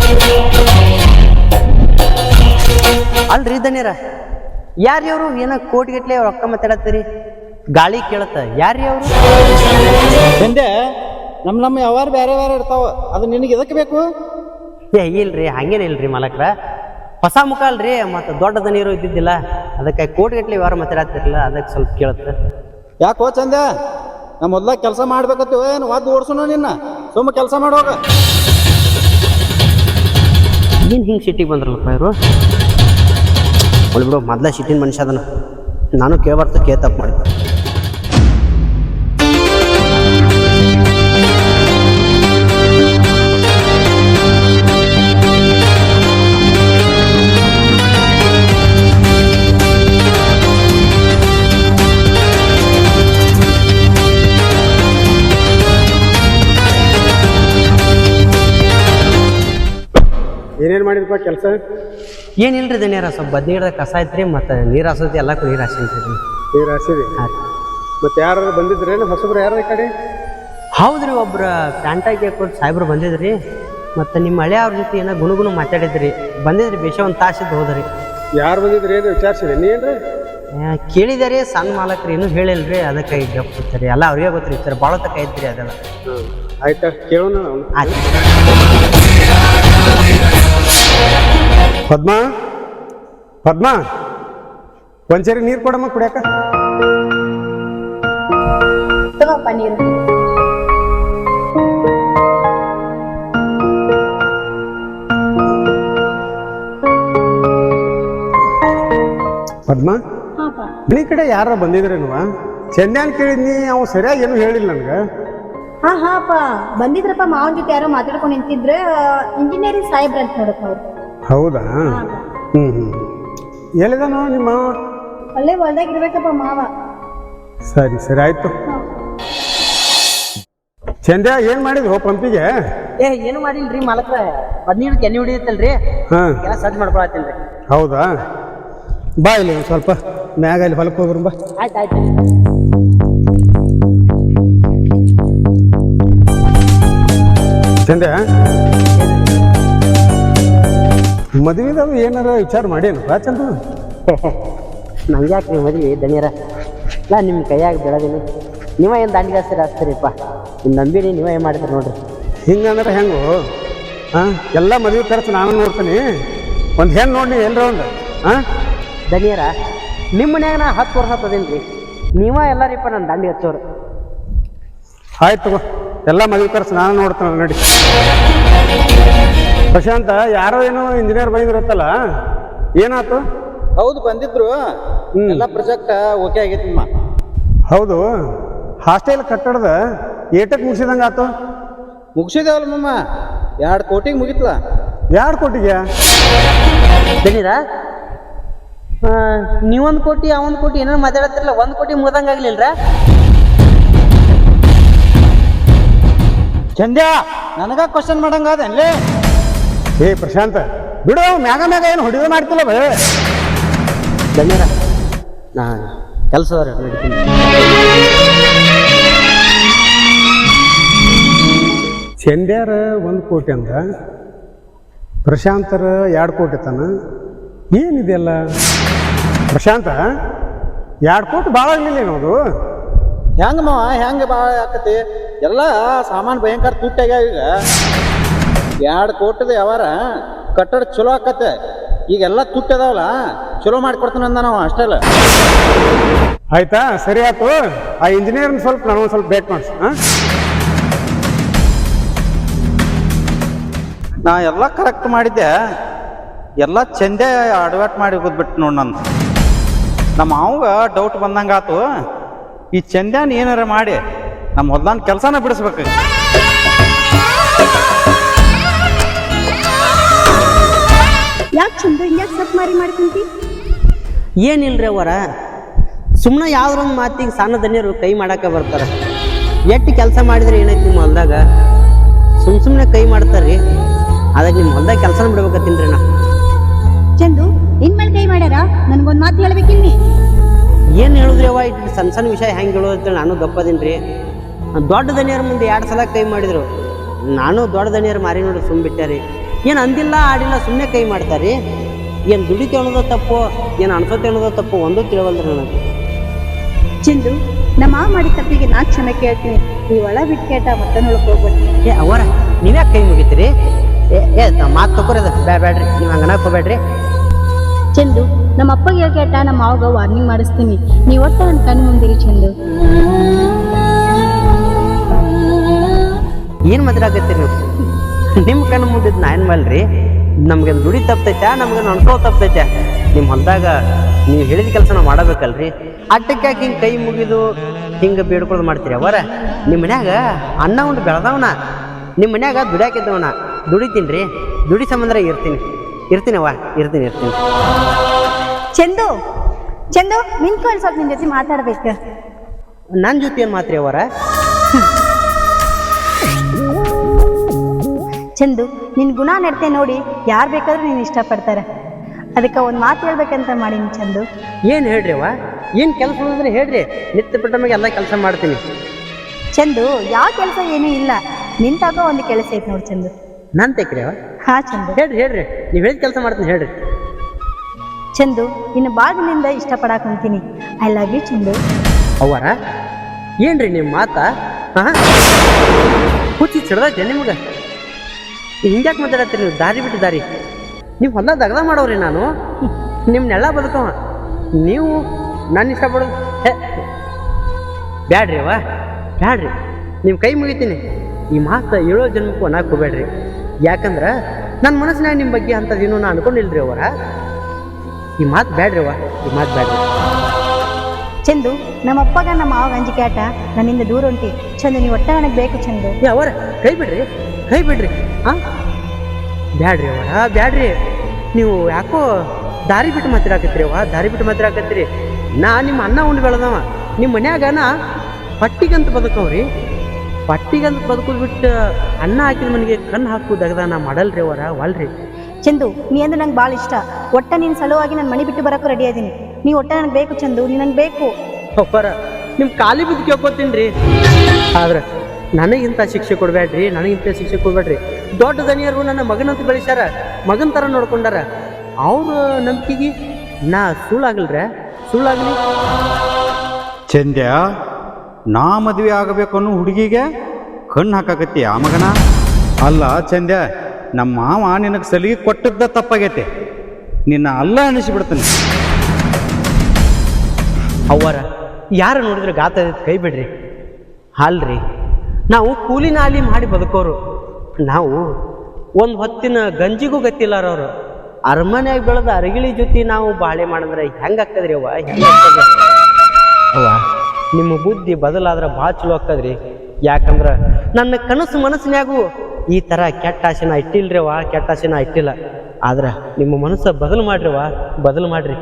B: ಅಲ್ರಿ ದನಿಯರ, ಯಾರ್ರಿ ಅವರು? ಏನೋ ಕೋಟಿಗಟ್ಲೆ ರೊಕ್ಕ ಮಾತಾಡತ್ತೀರಿ, ಗಾಳಿ ಕೇಳತ್ತ. ಯಾರ್ರಿ ಅವರು?
C: ಸಂಜೆ ನಮ್ಮ ನಮ್ಮ ಯಾವಾರು ಬೇರೆ ಬೇರೆ ಇರ್ತಾವ, ಅದು ನಿನಗೆ ಇದಕ್ಕೆ ಬೇಕು?
B: ಏ ಇಲ್ರಿ, ಹಂಗೇನ ಇಲ್ರಿ ಮಾಲಕ್ರ. ಹೊಸ ಮುಖ ಅಲ್ರಿ, ಮತ್ತು ದೊಡ್ಡ ದನಿಯರು ಇದ್ದಿದ್ದಿಲ್ಲ, ಅದಕ್ಕೆ ಕೋಟಿಗಟ್ಲೆ ವ್ಯವಹಾರ ಮಾತಾಡತ್ತಿರಲಿಲ್ಲ, ಅದಕ್ಕೆ ಸ್ವಲ್ಪ ಕೇಳುತ್ತೆ.
C: ಯಾಕೋ ಚಂದ, ನಾ ಮೊದ್ಲ ಕೆಲಸ ಮಾಡ್ಬೇಕತ್ತು ಏನು ವಾದ್ ಓಡಿಸೋಣ ನಿನ್ನ? ಸುಮ್ಮ ಕೆಲಸ ಮಾಡೋಗ.
B: ಏನು ಹಿಂಗೆ ಸಿಟ್ಟಿಗೆ ಬಂದ್ರಲ್ಲಪ್ಪ ಇವರು? ಒಳ್ಳೆ ಬಿಡು, ಮೊದ್ಲ ಸಿಟ್ಟಿನ ಮನುಷ್ಯ ಅದನ್ನ. ನಾನು ಕೇಳ್ಬಾರ್ದು, ಕೇ ತಪ್ಪು ಮಾಡಿದ್ದೆ.
A: ಏನೇನು ಮಾಡಿದಪ್ಪ ಕೆಲಸ?
B: ಏನಿಲ್ರಿ ದನಿಯರ, ಸ್ವಲ್ಪ ಬದ್ನಿಗಿಡದ ಕಸ ಐತ್ರಿ, ಮತ್ತು ನೀರು ಹಾಸೋತಿ ಎಲ್ಲಕ್ಕೂ ನೀರು ಹಾಸಿನ್ರಿ.
A: ನೀರು ಹಾಸಿರಿ?
B: ಹಾಂ.
A: ಮತ್ತೆ ಯಾರು ಬಂದಿದ್ರೇನು ಹೊಸಬ್ರು? ಯಾರು ಈ ಕಡೆ?
B: ಹೌದ್ರಿ, ಒಬ್ರು ಪ್ಯಾಂಟಾಗಿ ಕೊಟ್ಟು ಸಾಹೇಬ್ರು ಬಂದಿದ್ರಿ. ಮತ್ತು ನಿಮ್ಮ ಹಳೆ ಅವ್ರ ಜೊತೆ ಏನೋ ಗುಣಗುಣ ಮಾತಾಡಿದ್ರಿ. ಬಂದಿದ್ರಿ, ಬೇಷ ಒಂದು ತಾಸಿದ್ದು ಹೋದ್ರಿ.
A: ಯಾರು ಬಂದಿದ್ರಿ? ಏನು ವಿಚಾರಿಸಿರಿ ನೀನ್ರಿ?
B: ಕೇಳಿದೆ ರೀ, ಸಣ್ಣ ಮಾಲಕ್ರಿ ಇನ್ನೂ ಹೇಳಿಲ್ರಿ, ಅದಕ್ಕೆ ಈಗ ಗೊತ್ತಿರಿ. ಎಲ್ಲ ಅವ್ರಿಗೆ ಗೊತ್ತಿರಿ, ಸರ್ ಭಾಳ ತಕ್ಕ ಐತ್ರಿ ಅದೆಲ್ಲ.
A: ಹ್ಞೂ ಆಯ್ತಾ, ಕೇಳೋಣ.
B: ಆಯ್ತು.
A: ಪದ್ಮ, ಪದ್ಮ, ಒಂದ್ಸರಿ ನೀರು ಕೊಡಮ್ಮ ಕುಡಿಯಾಕ.
D: ತಗೋಪ್ಪ ನೀರು.
A: ಪದ್ಮ,
D: ಹಾಪ.
A: ಮನೆ ಕಡೆ ಯಾರ ಬಂದಿದ್ರೇನುವ? ಚೆಂದ್ಯಾನ್ ಕೇಳಿದ್ನಿ, ಅವ್ ಸರಿಯಾಗಿ ಏನು ಹೇಳಿಲ್ಲ ನನಗೆ.
D: ಹಾ ಹಾಪ ಬಂದಿದ್ರಪ್ಪ, ಮಾವನ ಜೊತೆ ಯಾರೋ ಮಾತಾಡ್ಕೊಂಡು ನಿಂತಿದ್ರೆ. ಇಂಜಿನಿಯರಿಂಗ್ ಸಾಹೇಬ್ರ ಅಂತ ನೋಡಪ್ಪ ಅವ್ರು.
A: ಹೌದಾ? ಹ್ಞೂ ಹ್ಞೂ ಎಲ್ಲಿದಾನೋ ನಿಮ್ಮ ಮಾವ?
D: ಅಲ್ಲೇ ಹೊಲ್ದಾಗ ಇರ್ಬೇಕಪ್ಪ ಮಾವ.
A: ಸರಿ ಸರಿ ಆಯ್ತು. ಚಂದ್ಯ ಏನು ಮಾಡಿದ್ವು ಪಂಪಿಗೆ?
B: ಏ ಏನು ಮಾಡಿಲ್ರಿ ಮಾಲಕ್ರ, ಬದ್ನೀರು ಎಣ್ಣೆ ಹೊಡಿಯುತ್ತಲ್ರಿ,
A: ಹಾಂ
B: ಎಲ್ಲ ಸಜ್ಜು ಮಾಡ್ಕೊಳತ್ತೀನಿ.
A: ಹೌದಾ? ಬಾ ಇಲ್ಲಿ ಒಂದು ಸ್ವಲ್ಪ ಮ್ಯಾಗ ಇಲ್ಲಿ ಹೊಲಕ್ಕೆ ಹೋಗ್ರು ಬಾ.
B: ಆಯ್ತು ಆಯ್ತು.
A: ಚಂದ್ಯ, ಮದುವೆದವು ಏನಾರ ವಿಚಾರ ಮಾಡೇನಪ್ಪ ಚಂದ್ರ?
B: ನಂಗೆ ಯಾಕೆ ನೀವು ಮದ್ವೆ ದನಿಯರ? ಇಲ್ಲ ನಿಮ್ಮ ಕೈಯಾಗ ಬೆಳೆದೀನಿ, ನೀವ ಏನು ದಾಂಡಿಗೆ ಹಸ್ತೀರಿ ಹಚ್ತೀರಿಪ್ಪ. ನಿಮ್ಮ ನಂಬಿನಿ ನೀವೇ ಏನು ಮಾಡಿದ್ರಿ ನೋಡ್ರಿ.
A: ಹಿಂಗಂದ್ರೆ ಹೆಂಗು? ಹಾಂ, ಎಲ್ಲ ಮದುವೆ ಖರ್ಚು ನಾನು ನೋಡ್ತೀನಿ. ಒಂದು ಹೆಣ್ಣು ನೋಡಿ ಎಲ್ಲರ ಒಂದು. ಹಾಂ
B: ದನಿಯರ, ನಿಮ್ಮ ಮನ್ಯಾಗ ನಾ ಹತ್ತು ವರ್ಷ ಹತ್ತದೇನು ರೀ, ನೀವ ಎಲ್ಲರಿಪ್ಪ ನನ್ನ ದಾಂಡಿ ಹಚ್ಚೋರು.
A: ಆಯ್ತು ತಗೋ, ಎಲ್ಲ ಮದುವೆ ಖರ್ಚು ನಾನು ನೋಡ್ತೇನೆ ನೋಡಿ. ಪ್ರಶಾಂತ, ಯಾರೋ ಏನೋ ಇಂಜಿನಿಯರ್ ಬಂದಿರತ್ತಲ್ಲ, ಏನಾಯ್ತು?
C: ಹೌದು ಬಂದಿದ್ರು ಎಲ್ಲ ಪ್ರಾಜೆಕ್ಟ್ ಓಕೆ ಆಗೈತಿ ನಿಮ್ಮ.
A: ಹೌದು, ಹಾಸ್ಟೆಲ್ ಕಟ್ಟಡದ ಏಟಕ್ಕೆ ಮುಗಿಸಿದಂಗೆ ಆತು?
C: ಮುಗಿಸಿದೇವಲ್ಲ ಮಮ್ಮ, ಎರಡು ಕೋಟಿಗೆ ಮುಗಿತ್ಲ.
A: ಎರಡು ಕೋಟಿಗೆ?
B: ದನೀರ ನೀವೊಂದು ಕೋಟಿ ಅವೊಂದು ಕೋಟಿ ಏನೇನು ಮಾತಾಡತ್ತಿರಲ್ಲ, ಒಂದು ಕೋಟಿ ಮುಗ್ದಂಗೆ ಆಗ್ಲಿಲ್ರ?
C: ಚಂದ್ಯ ನನಗ ಕ್ವಶನ್ ಮಾಡಂಗ ಅದೇನ್ಲೇ?
A: ಏ ಪ್ರಶಾಂತ ಬಿಡು, ಮ್ಯಾಗ ಮ್ಯಾಗ ಏನು ಹೊಡಿದು ಮಾಡ್ತಿಲ್ಲ ಬೇ.
B: ದನೀರ ನಾ ಕೆಲಸದವ್ರ ನಡೀತೀನಿ.
A: ಚಂದ್ಯಾರ ಒಂದು ಕೋಟಿ ಅಂದ, ಪ್ರಶಾಂತರ ಎರಡು ಕೋಟಿ ತನ. ಏನಿದೆಯಲ್ಲ ಪ್ರಶಾಂತ, ಎರಡು ಕೋಟಿ ಭಾಳ ಆಗಲಿಲ್ಲ ಏನೋದು?
C: ಹೆಂಗ ಮಾವ ಹೆಂಗ ಭಾಳ ಆಕತಿ? ಎಲ್ಲ ಸಾಮಾನು ಭಯಂಕರ ತುಟ್ಟಾಗ್ಯಾವ. ಈಗ ಎರಡು ಕೋಟಿದ ಯಾವಾರ ಕಟ್ಟಡ ಚಲೋ ಆಕತ್ತೆ. ಈಗೆಲ್ಲ ತುಟ್ಟದಾವಲ್ಲ, ಚಲೋ ಮಾಡಿಕೊಡ್ತಾನೆ ಅಂದ ನಾವು ಅಷ್ಟೆಲ್ಲ.
A: ಆಯ್ತಾ, ಸರಿ ಆಯ್ತು. ಆ ಇಂಜಿನಿಯರ್ನ ಸ್ವಲ್ಪ ನಾನು ಸ್ವಲ್ಪ ಬೇಕು ಮಾಡಿಸು. ಹಾಂ,
C: ನಾ ಎಲ್ಲ ಕರೆಕ್ಟ್ ಮಾಡಿದ್ದೆ, ಎಲ್ಲ ಚಂದೆ ಅಡ್ವರ್ಟ್ ಮಾಡಿ ಹೋಗ್ಬಿಟ್ಟು ನೋಡಿ. ನನ್ನ ನಮ್ಮ ಮಾವಾಗ ಡೌಟ್ ಬಂದಂಗೆ ಆತು. ಈ ಚಂದ್ಯಾನ ಏನಾರ ಮಾಡಿ ನಮ್ಮ ಹೊಲ್ದಾನ ಕೆಲಸನ ಬಿಡಿಸ್ಬೇಕು.
G: ಯಾಕೆ ಚಂದು ಹಿಂಗ್ಯಾಕೆ ಸಪ್ ಮಾರಿ ಮಾಡ್ಕೊಂತಿ?
B: ಏನಿಲ್ರಿ ಅವರ, ಸುಮ್ಮನೆ ಯಾವ್ದೊಂದು ಮಾತಿಗೆ ಸಣ್ಣ ದನಿಯರು ಕೈ ಮಾಡಕ್ಕೆ ಬರ್ತಾರೆ. ಎಷ್ಟು ಕೆಲಸ ಮಾಡಿದ್ರೆ ಏನೈತಿ ನಿಮ್ಮ ಹೊಲ್ದಾಗ? ಸುಮ್ ಸುಮ್ಮನೆ ಕೈ ಮಾಡ್ತಾರ್ರಿ. ಅದಕ್ಕೆ ನಿಮ್ಮ ಹೊಲ್ದಾಗ ಕೆಲಸನ ಬಿಡ್ಬೇಕತ್ತೀನ್ರಿ ನಾ.
G: ಚಂದು ನಿನ್ ಮೇಲೆ ಕೈ ಮಾಡ್ಯಾರ, ನನ್ಗೊಂದ್ ಮಾತು ಹೇಳ್ಬೇಕಿಲ್ಲಿ.
B: ಏನು ಹೇಳಿದ್ರಿ ಅವ, ಇಟ್ಟು ಸಣ್ಣ ಸಣ್ಣ ವಿಷಯ ಹೆಂಗೆ ಹೇಳೋದಂತೇಳಿ ನಾನು ಗಪ್ಪದೀನಿ ರೀ. ದೊಡ್ಡ ದನಿಯರ ಮುಂದೆ ಎರಡು ಸಲ ಕೈ ಮಾಡಿದ್ರು, ನಾನು ದೊಡ್ಡ ದನಿಯರು ಮಾರಿ ನೋಡಿ ಸುಮ್ಮ ಬಿಟ್ಟಾರಿ. ಏನು ಅಂದಿಲ್ಲ ಆಡಿಲ್ಲ, ಸುಮ್ಮನೆ ಕೈ ಮಾಡ್ತಾರೆ. ಏನು ದುಡಿತೆ ಅನ್ನೋದು ತಪ್ಪು, ಏನು ಅನ್ಸೋತೆ ಅನ್ನೋದು ತಪ್ಪು, ಒಂದೂ ತಿಳವಲ್ರಿ ನನಗೆ.
G: ಚಂದು ನಮ್ಮ ಮಾವ ಮಾಡಿದ ತಪ್ಪಿಗೆ ನಾ ಕ್ಷಮೆ ಕೇಳ್ತೀನಿ. ನೀವು ಒಳ ಬಿಟ್ಟು ಕೇಟ ಮತ್ತೆ ನೋಡಕ್ ಹೋಗ್ಬೇಡಿ.
B: ಏ ಅವರ, ನೀವ್ಯಾಕೆ ಕೈ ಮುಗಿತೀರಿ? ಏ ಏ ಮಾತು ತಗೋರದ ಬ್ಯಾ ಬ್ಯಾಡ್ರಿ, ನೀವು ಹಂಗನಕ್ಕೆ ಹೋಗ್ಬೇಡ್ರಿ.
G: ಚಂದು ನಮ್ಮ ಅಪ್ಪಗೆ ಹೇಳಿ ಕೇಟ ನಮ್ಮ ಮಾವಗ ವಾರ್ನಿಂಗ್ ಮಾಡಿಸ್ತೀನಿ. ನೀವು ಒಟ್ಟು ನನ್ನ ಕಣ್ಣು ಮುಂದಿರಿ ಚಂದು.
B: ಏನು ಮಾತಾಡಕತ್ತೀರಿ ನೀವು? ನಿಮ್ಮ ಕಣ್ಣು ಮುಂದಿದ್ದು ನಾ ಏನು ಮಾಡಲ್ರಿ? ನಮ್ಗೆ ದುಡಿ ತಪ್ಪತೈತೆ, ನಮ್ಗೆ ಅನ್ಸೋ ತಪ್ಪತೈತೆ. ನಿಮ್ಮ ಹೊಲದಾಗ ನೀವು ಹೇಳಿದ ಕೆಲಸ ನಾವು ಮಾಡಬೇಕಲ್ರಿ. ಅಟ್ಟಕ್ಕೆ ಯಾಕೆ ಹಿಂಗೆ ಕೈ ಮುಗಿದು ಹಿಂಗೆ ಬೇಡ್ಕೊಳ್ಳೋದು ಮಾಡ್ತೀರಿ ಅವರ? ನಿಮ್ಮ ಮನ್ಯಾಗ ಅನ್ನ ಉಂಡು ಬೆಳೆದವನ, ನಿಮ್ಮ ಮನ್ಯಾಗ ದುಡಿಯಾಕಿದ್ದವನ, ದುಡಿತೀನಿ ರೀ. ದುಡಿ ಸಂಬಂಧ ಇರ್ತೀನಿ ಇರ್ತೀನಿ ಅವ್ವ ಇರ್ತೀನಿ ಇರ್ತೀನಿ
G: ಚಂದು ಚಂದು ನಿಂತ್ಕೊಂಡು ಸ್ವಲ್ಪ ನಿನ್ ಜೊತೆ ಮಾತಾಡ್ಬೇಕು.
B: ನನ್ನ ಜೊತೆ ಏನು ಮಾತ್ರಿ ಅವರ?
G: ಚಂದು ನಿನ್ ಗುಣ ನಡತೆ ನೋಡಿ ಯಾರು ಬೇಕಾದ್ರೂ ನೀನು ಇಷ್ಟಪಡ್ತಾರೆ. ಅದಕ್ಕೆ ಒಂದು ಮಾತು ಹೇಳ್ಬೇಕಂತ ಮಾಡೀನಿ ಚಂದು.
B: ಏನು ಹೇಳ್ರಿ ಅವ್ವ? ಏನು ಕೆಲಸ ಅಂದ್ರೆ ಹೇಳ್ರಿ, ನಿತ್ಯ ಬಿಟ್ಟ ಮ್ಯಾಗ ಎಲ್ಲ ಕೆಲಸ ಮಾಡ್ತೀನಿ.
G: ಚಂದು ಯಾವ ಕೆಲಸ ಏನೂ ಇಲ್ಲ, ನಿಂತಾಗ ಒಂದು ಕೆಲಸ ಐತೆ ನೋಡಿ ಚಂದು.
B: ನಾನು ತೆಕ್ರಿ ಅವ್ವ?
G: ಹಾ ಚಂದು
B: ಹೇಳ್ರಿ ಹೇಳ್ರಿ, ನೀವು ಹೇಳಿದ ಕೆಲಸ ಮಾಡ್ತೀನಿ ಹೇಳ್ರಿ.
G: ಚಂದು ಇನ್ನು ಬಾಗಿಲಿಂದ ಇಷ್ಟಪಡಾಕ್ ಕುಂತೀನಿ. I love you Chandu.
B: ಅವರ ಏನ್ರಿ ನಿಮ್ಮ ಮಾತಾ? ಹಾಂ ಹುಚ್ಚಿ ಸಿಡ್ದೈತೆ ನಿಮ್ಗೆ? ಹಿಂಗ್ಯಾಕೆ ಮಾತಾಡತ್ತೀರಿ ನೀವು? ದಾರಿ ಬಿಟ್ಟು ದಾರಿ, ನೀವು ಹೊಲ ದಗದ ಮಾಡೋರಿ. ನಾನು ನಿಮ್ಮನ್ನೆಲ್ಲ ಬದುಕವ, ನೀವು ನಾನು ಇಷ್ಟಪಡೋದು ಹೇ ಬ್ಯಾಡ್ರಿ ಅವ್ವ ಬ್ಯಾಡ್ರಿ. ನಿಮ್ಮ ಕೈ ಮುಗಿತೀನಿ. ಈ ಮಾತು ಏಳೋ ಜನ್ಮಕ್ಕೂ ಅನ್ನಕ್ಕೆ ಹೋಗ್ಬೇಡ್ರಿ. ಯಾಕಂದ್ರೆ ನನ್ನ ಮನಸ್ಸಿನಾಗ ನಿಮ್ಮ ಬಗ್ಗೆ ಅಂಥದ್ದೇನು ನಾನು ಅನ್ಕೊಂಡಿಲ್ರಿ ಅವರ. ಈ ಮಾತು ಬ್ಯಾಡ್ರಿ ಅವ್ವ, ಈ ಮಾತು ಬ್ಯಾಡ್ರಿ.
G: ಚಂದು ನಮ್ಮ ಅಪ್ಪಗ ನಮ್ಮ ಮಾವಾಗ ಅಂಜಿಕೆ ಆಟ ನನ್ನಿಂದ ದೂರ ಉಂಟಿ. ಚಂದು ನೀವು ಒಟ್ಟ ನನಗೆ ಬೇಕು ಚಂದು.
B: ಏ ಅವರ ಕೈ ಬಿಡ್ರಿ, ಕೈ ಬಿಡ್ರಿ. ಹಾಂ ಬ್ಯಾಡ್ರಿ ಅವರ ಬ್ಯಾಡ್ರಿ. ನೀವು ಯಾಕೋ ದಾರಿ ಬಿಟ್ಟು ಮಾತಾಡಕತ್ತೀರಿ ಅವ್ವ, ದಾರಿ ಬಿಟ್ಟು ಮಾತಾಡಕತ್ತೀರಿ. ನಾ ನಿಮ್ಮ ಅನ್ನ ಉಂಡು ಬೆಳೆದವ, ನಿಮ್ಮ ಮನ್ಯಾಗ ನಾ ಪಟ್ಟಿಗಂತ ಬದುಕವ್ರಿ. ಪಟ್ಟಿಗಂತ ಬದುಕೋದು ಬಿಟ್ಟು ಅನ್ನ ಹಾಕಿದ ಮನೆಗೆ ಕಣ್ಣು ಹಾಕು ದಗದ ನಾ ಮಾಡಲ್ರಿ ಅವರ, ಒಲ್ರಿ.
G: ಚಂದು ನೀ ಅಂದ್ರೆ ನಂಗೆ ಭಾಳ ಇಷ್ಟ. ಒಟ್ಟ ನಿನ್ನ ಸಲುವಾಗಿ ನಾನು ಮನೆ ಬಿಟ್ಟು ಬರೋಕ್ಕೂ ರೆಡಿ ಅದೀನಿ. ನೀವು ಒಟ್ಟ ನನಗೆ ಬೇಕು ಚಂದು, ನೀ ನಂಗೆ ಬೇಕು.
B: ಒಬ್ಬರ ನಿಮ್ಮ ಖಾಲಿ ಬಿದ್ದು ಕೇಳ್ಕೊತೀನಿ ರೀ. ಆದ್ರೆ ನನಗಿಂತ ಶಿಕ್ಷೆ ಕೊಡಬೇಡ್ರಿ, ನನಗಿಂತ ಶಿಕ್ಷೆ ಕೊಡಬೇಡ್ರಿ. ದೊಡ್ಡ ದನಿಯರು ನನ್ನ ಮಗನಂತ ಬೆಳೆಸ್ಯಾರ, ಮಗನ ಥರ ನೋಡ್ಕೊಂಡಾರ. ಅವ್ರ ನಂಬಿಕೆಗೆ ನಾ ಸುಳ್ಳಾಗಲ್ರ, ಸುಳ್ಳಾಗಲಿ.
C: ಚಂದ್ಯ ನಾ ಮದುವೆ ಆಗಬೇಕು ಅನ್ನೋ ಹುಡುಗಿಗೆ ಕಣ್ಣು ಹಾಕಾಕತ್ತಿ ಆ ಮಗನ? ಅಲ್ಲ ಚಂದ್ಯ, ನಮ್ಮ ಮಾವ ನಿನಗೆ ಸಲಿಗೆ ಕೊಟ್ಟದ್ದ ತಪ್ಪಾಗೈತೆ. ನಿನ್ನ ಅಲ್ಲ ಅನಿಸಿಬಿಡ್ತಾನೆ.
B: ಅವರ ಯಾರು ನೋಡಿದ್ರೆ ಗಾತ ಕೈ ಬಿಡ್ರಿ. ಅಲ್ರಿ, ನಾವು ಕೂಲಿ ನಾಲಿ ಮಾಡಿ ಬದುಕೋರು. ನಾವು ಒಂದು ಹೊತ್ತಿನ ಗಂಜಿಗೂ ಗತ್ತಿಲ್ಲಾರವ್ರು. ಅರಮನೆಯಾಗ ಬೆಳೆದ ಅರಗಿಳಿ ಜೊತೆ ನಾವು ಬಾಳೆ ಮಾಡಿದ್ರೆ ಹೆಂಗಾಗ್ತದ್ರಿ ಅವ್ವ ಹೆಂಗಾಗ್ತದ ಅವ್ವ ನಿಮ್ಮ ಬುದ್ಧಿ ಬದಲಾದ್ರೆ ಭಾಳ ಚಲೋ ಆಗ್ತದ್ರಿ. ಯಾಕಂದ್ರೆ ನನ್ನ ಕನಸು ಮನಸ್ಸಿನ್ಯಾಗೂ ಈ ಥರ ಕೆಟ್ಟ ಆಸೆನ ಇಟ್ಟಿಲ್ರಿ ಅವ್ವ, ಕೆಟ್ಟ ಆಸೆನ ಇಟ್ಟಿಲ್ಲ. ಆದ್ರೆ ನಿಮ್ಮ ಮನಸ್ಸ ಬದಲು ಮಾಡ್ರಿ ಅವ್ವ, ಬದಲು ಮಾಡ್ರಿ.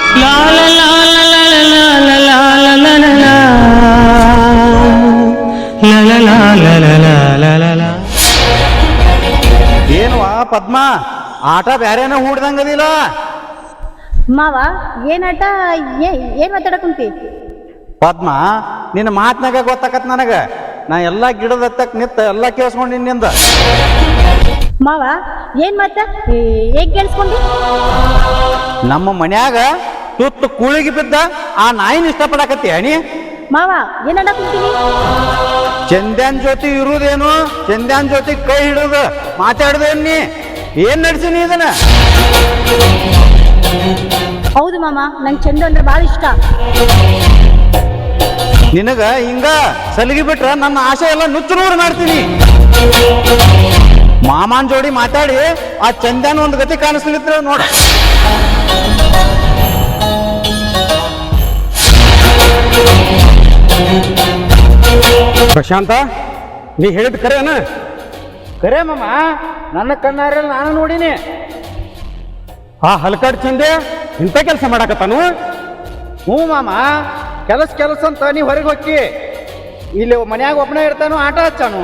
C: ಏನ್ವಾ ಪದ್ಮ, ಆಟ ಬ್ಯಾರೇನ ಹೂಡ್ದಂಗದಿಲ್ಲ.
G: ಮಾವ ಏನಾಟ ಏ ಏನ್ ಮಾತಾಡಕ್ ಕುಂತಿ?
C: ಪದ್ಮ, ನಿನ್ನ ಮಾತ್ನಾಗ ಗೊತ್ತಾಕತ್ ನನಗ. ನಾ ಎಲ್ಲ ಗಿಡದ ಹತ್ತಕ್ ನಿತ್ತ ಎಲ್ಲ ಕೇಳಿಸ್ಕೊಂಡು ನಿನ್ನಿಂದ.
G: ಮಾವ ಏನ್ ಮಾತ ಹೇಗ್ ಕೇಳಿಸ್ಕೊಂಡಿ?
C: ನಮ್ಮ ಮನ್ಯಾಗ ತುತ್ತು ಕೂಳಿಗೆ ಬಿದ್ದ ಆ ನಾಯಿನ ಇಷ್ಟಪಡಕತ್ತಿ ಅಣಿ.
G: ಮಾವ ಏನಾಡ ಕುಂತೀನಿ?
C: ಚಂದ್ಯಾನ್ ಜೊತೆ ಇರುವುದೇನು, ಚಂದ್ಯಾನ್ ಜೊತೆ ಕೈ ಹಿಡುದು ಮಾತಾಡುದೇನ್ ನೀ? ಏನ್ ನಡ್ಸಿನಿ ಇದನ್ನ?
G: ಹೌದು ಮಾಮ, ನಂಗೆ ಚಂದ ಅಂದ್ರೆ ಭಾಳ ಇಷ್ಟ.
C: ನಿನಗ ಹಿಂಗ ಸಲಿಗೆ ಬಿಟ್ರ ನನ್ನ ಆಸೆ ಎಲ್ಲ ನುಚ್ಚು ನೂರು ಮಾಡ್ತೀನಿ. ಮಾಮನ್ ಜೋಡಿ ಮಾತಾಡಿ ಆ ಚಂದ್ಯಾನ ಒಂದು ಗತಿ ಕಾಣಿಸ್ಲಿತ್ರ ನೋಡ.
A: ಪ್ರಶಾಂತ, ನೀ ಹೇಳಿದ್ ಕರೆನ?
C: ಕರೆ ಮಾಮ, ನನ್ನ ಕಣ್ಣಾರಲ್ಲಿ ನಾನು ನೋಡಿನಿ.
A: ಆ ಹಲಕಾಡ್ ಚಂದೆ ಇಂಥ ಕೆಲಸ ಮಾಡಾಕತ್ತಾನು?
C: ಹ್ಞೂ ಮಾಮ, ಕೆಲಸ ಕೆಲಸ ಅಂತ ನೀ ಹೊರಗೆ ಹೊಕ್ಕಿ, ಇಲ್ಲಿ ಮನ್ಯಾಗ ಒಬ್ಬನೇ ಇರ್ತಾನು, ಆಟ ಹಚ್ಚಾನು.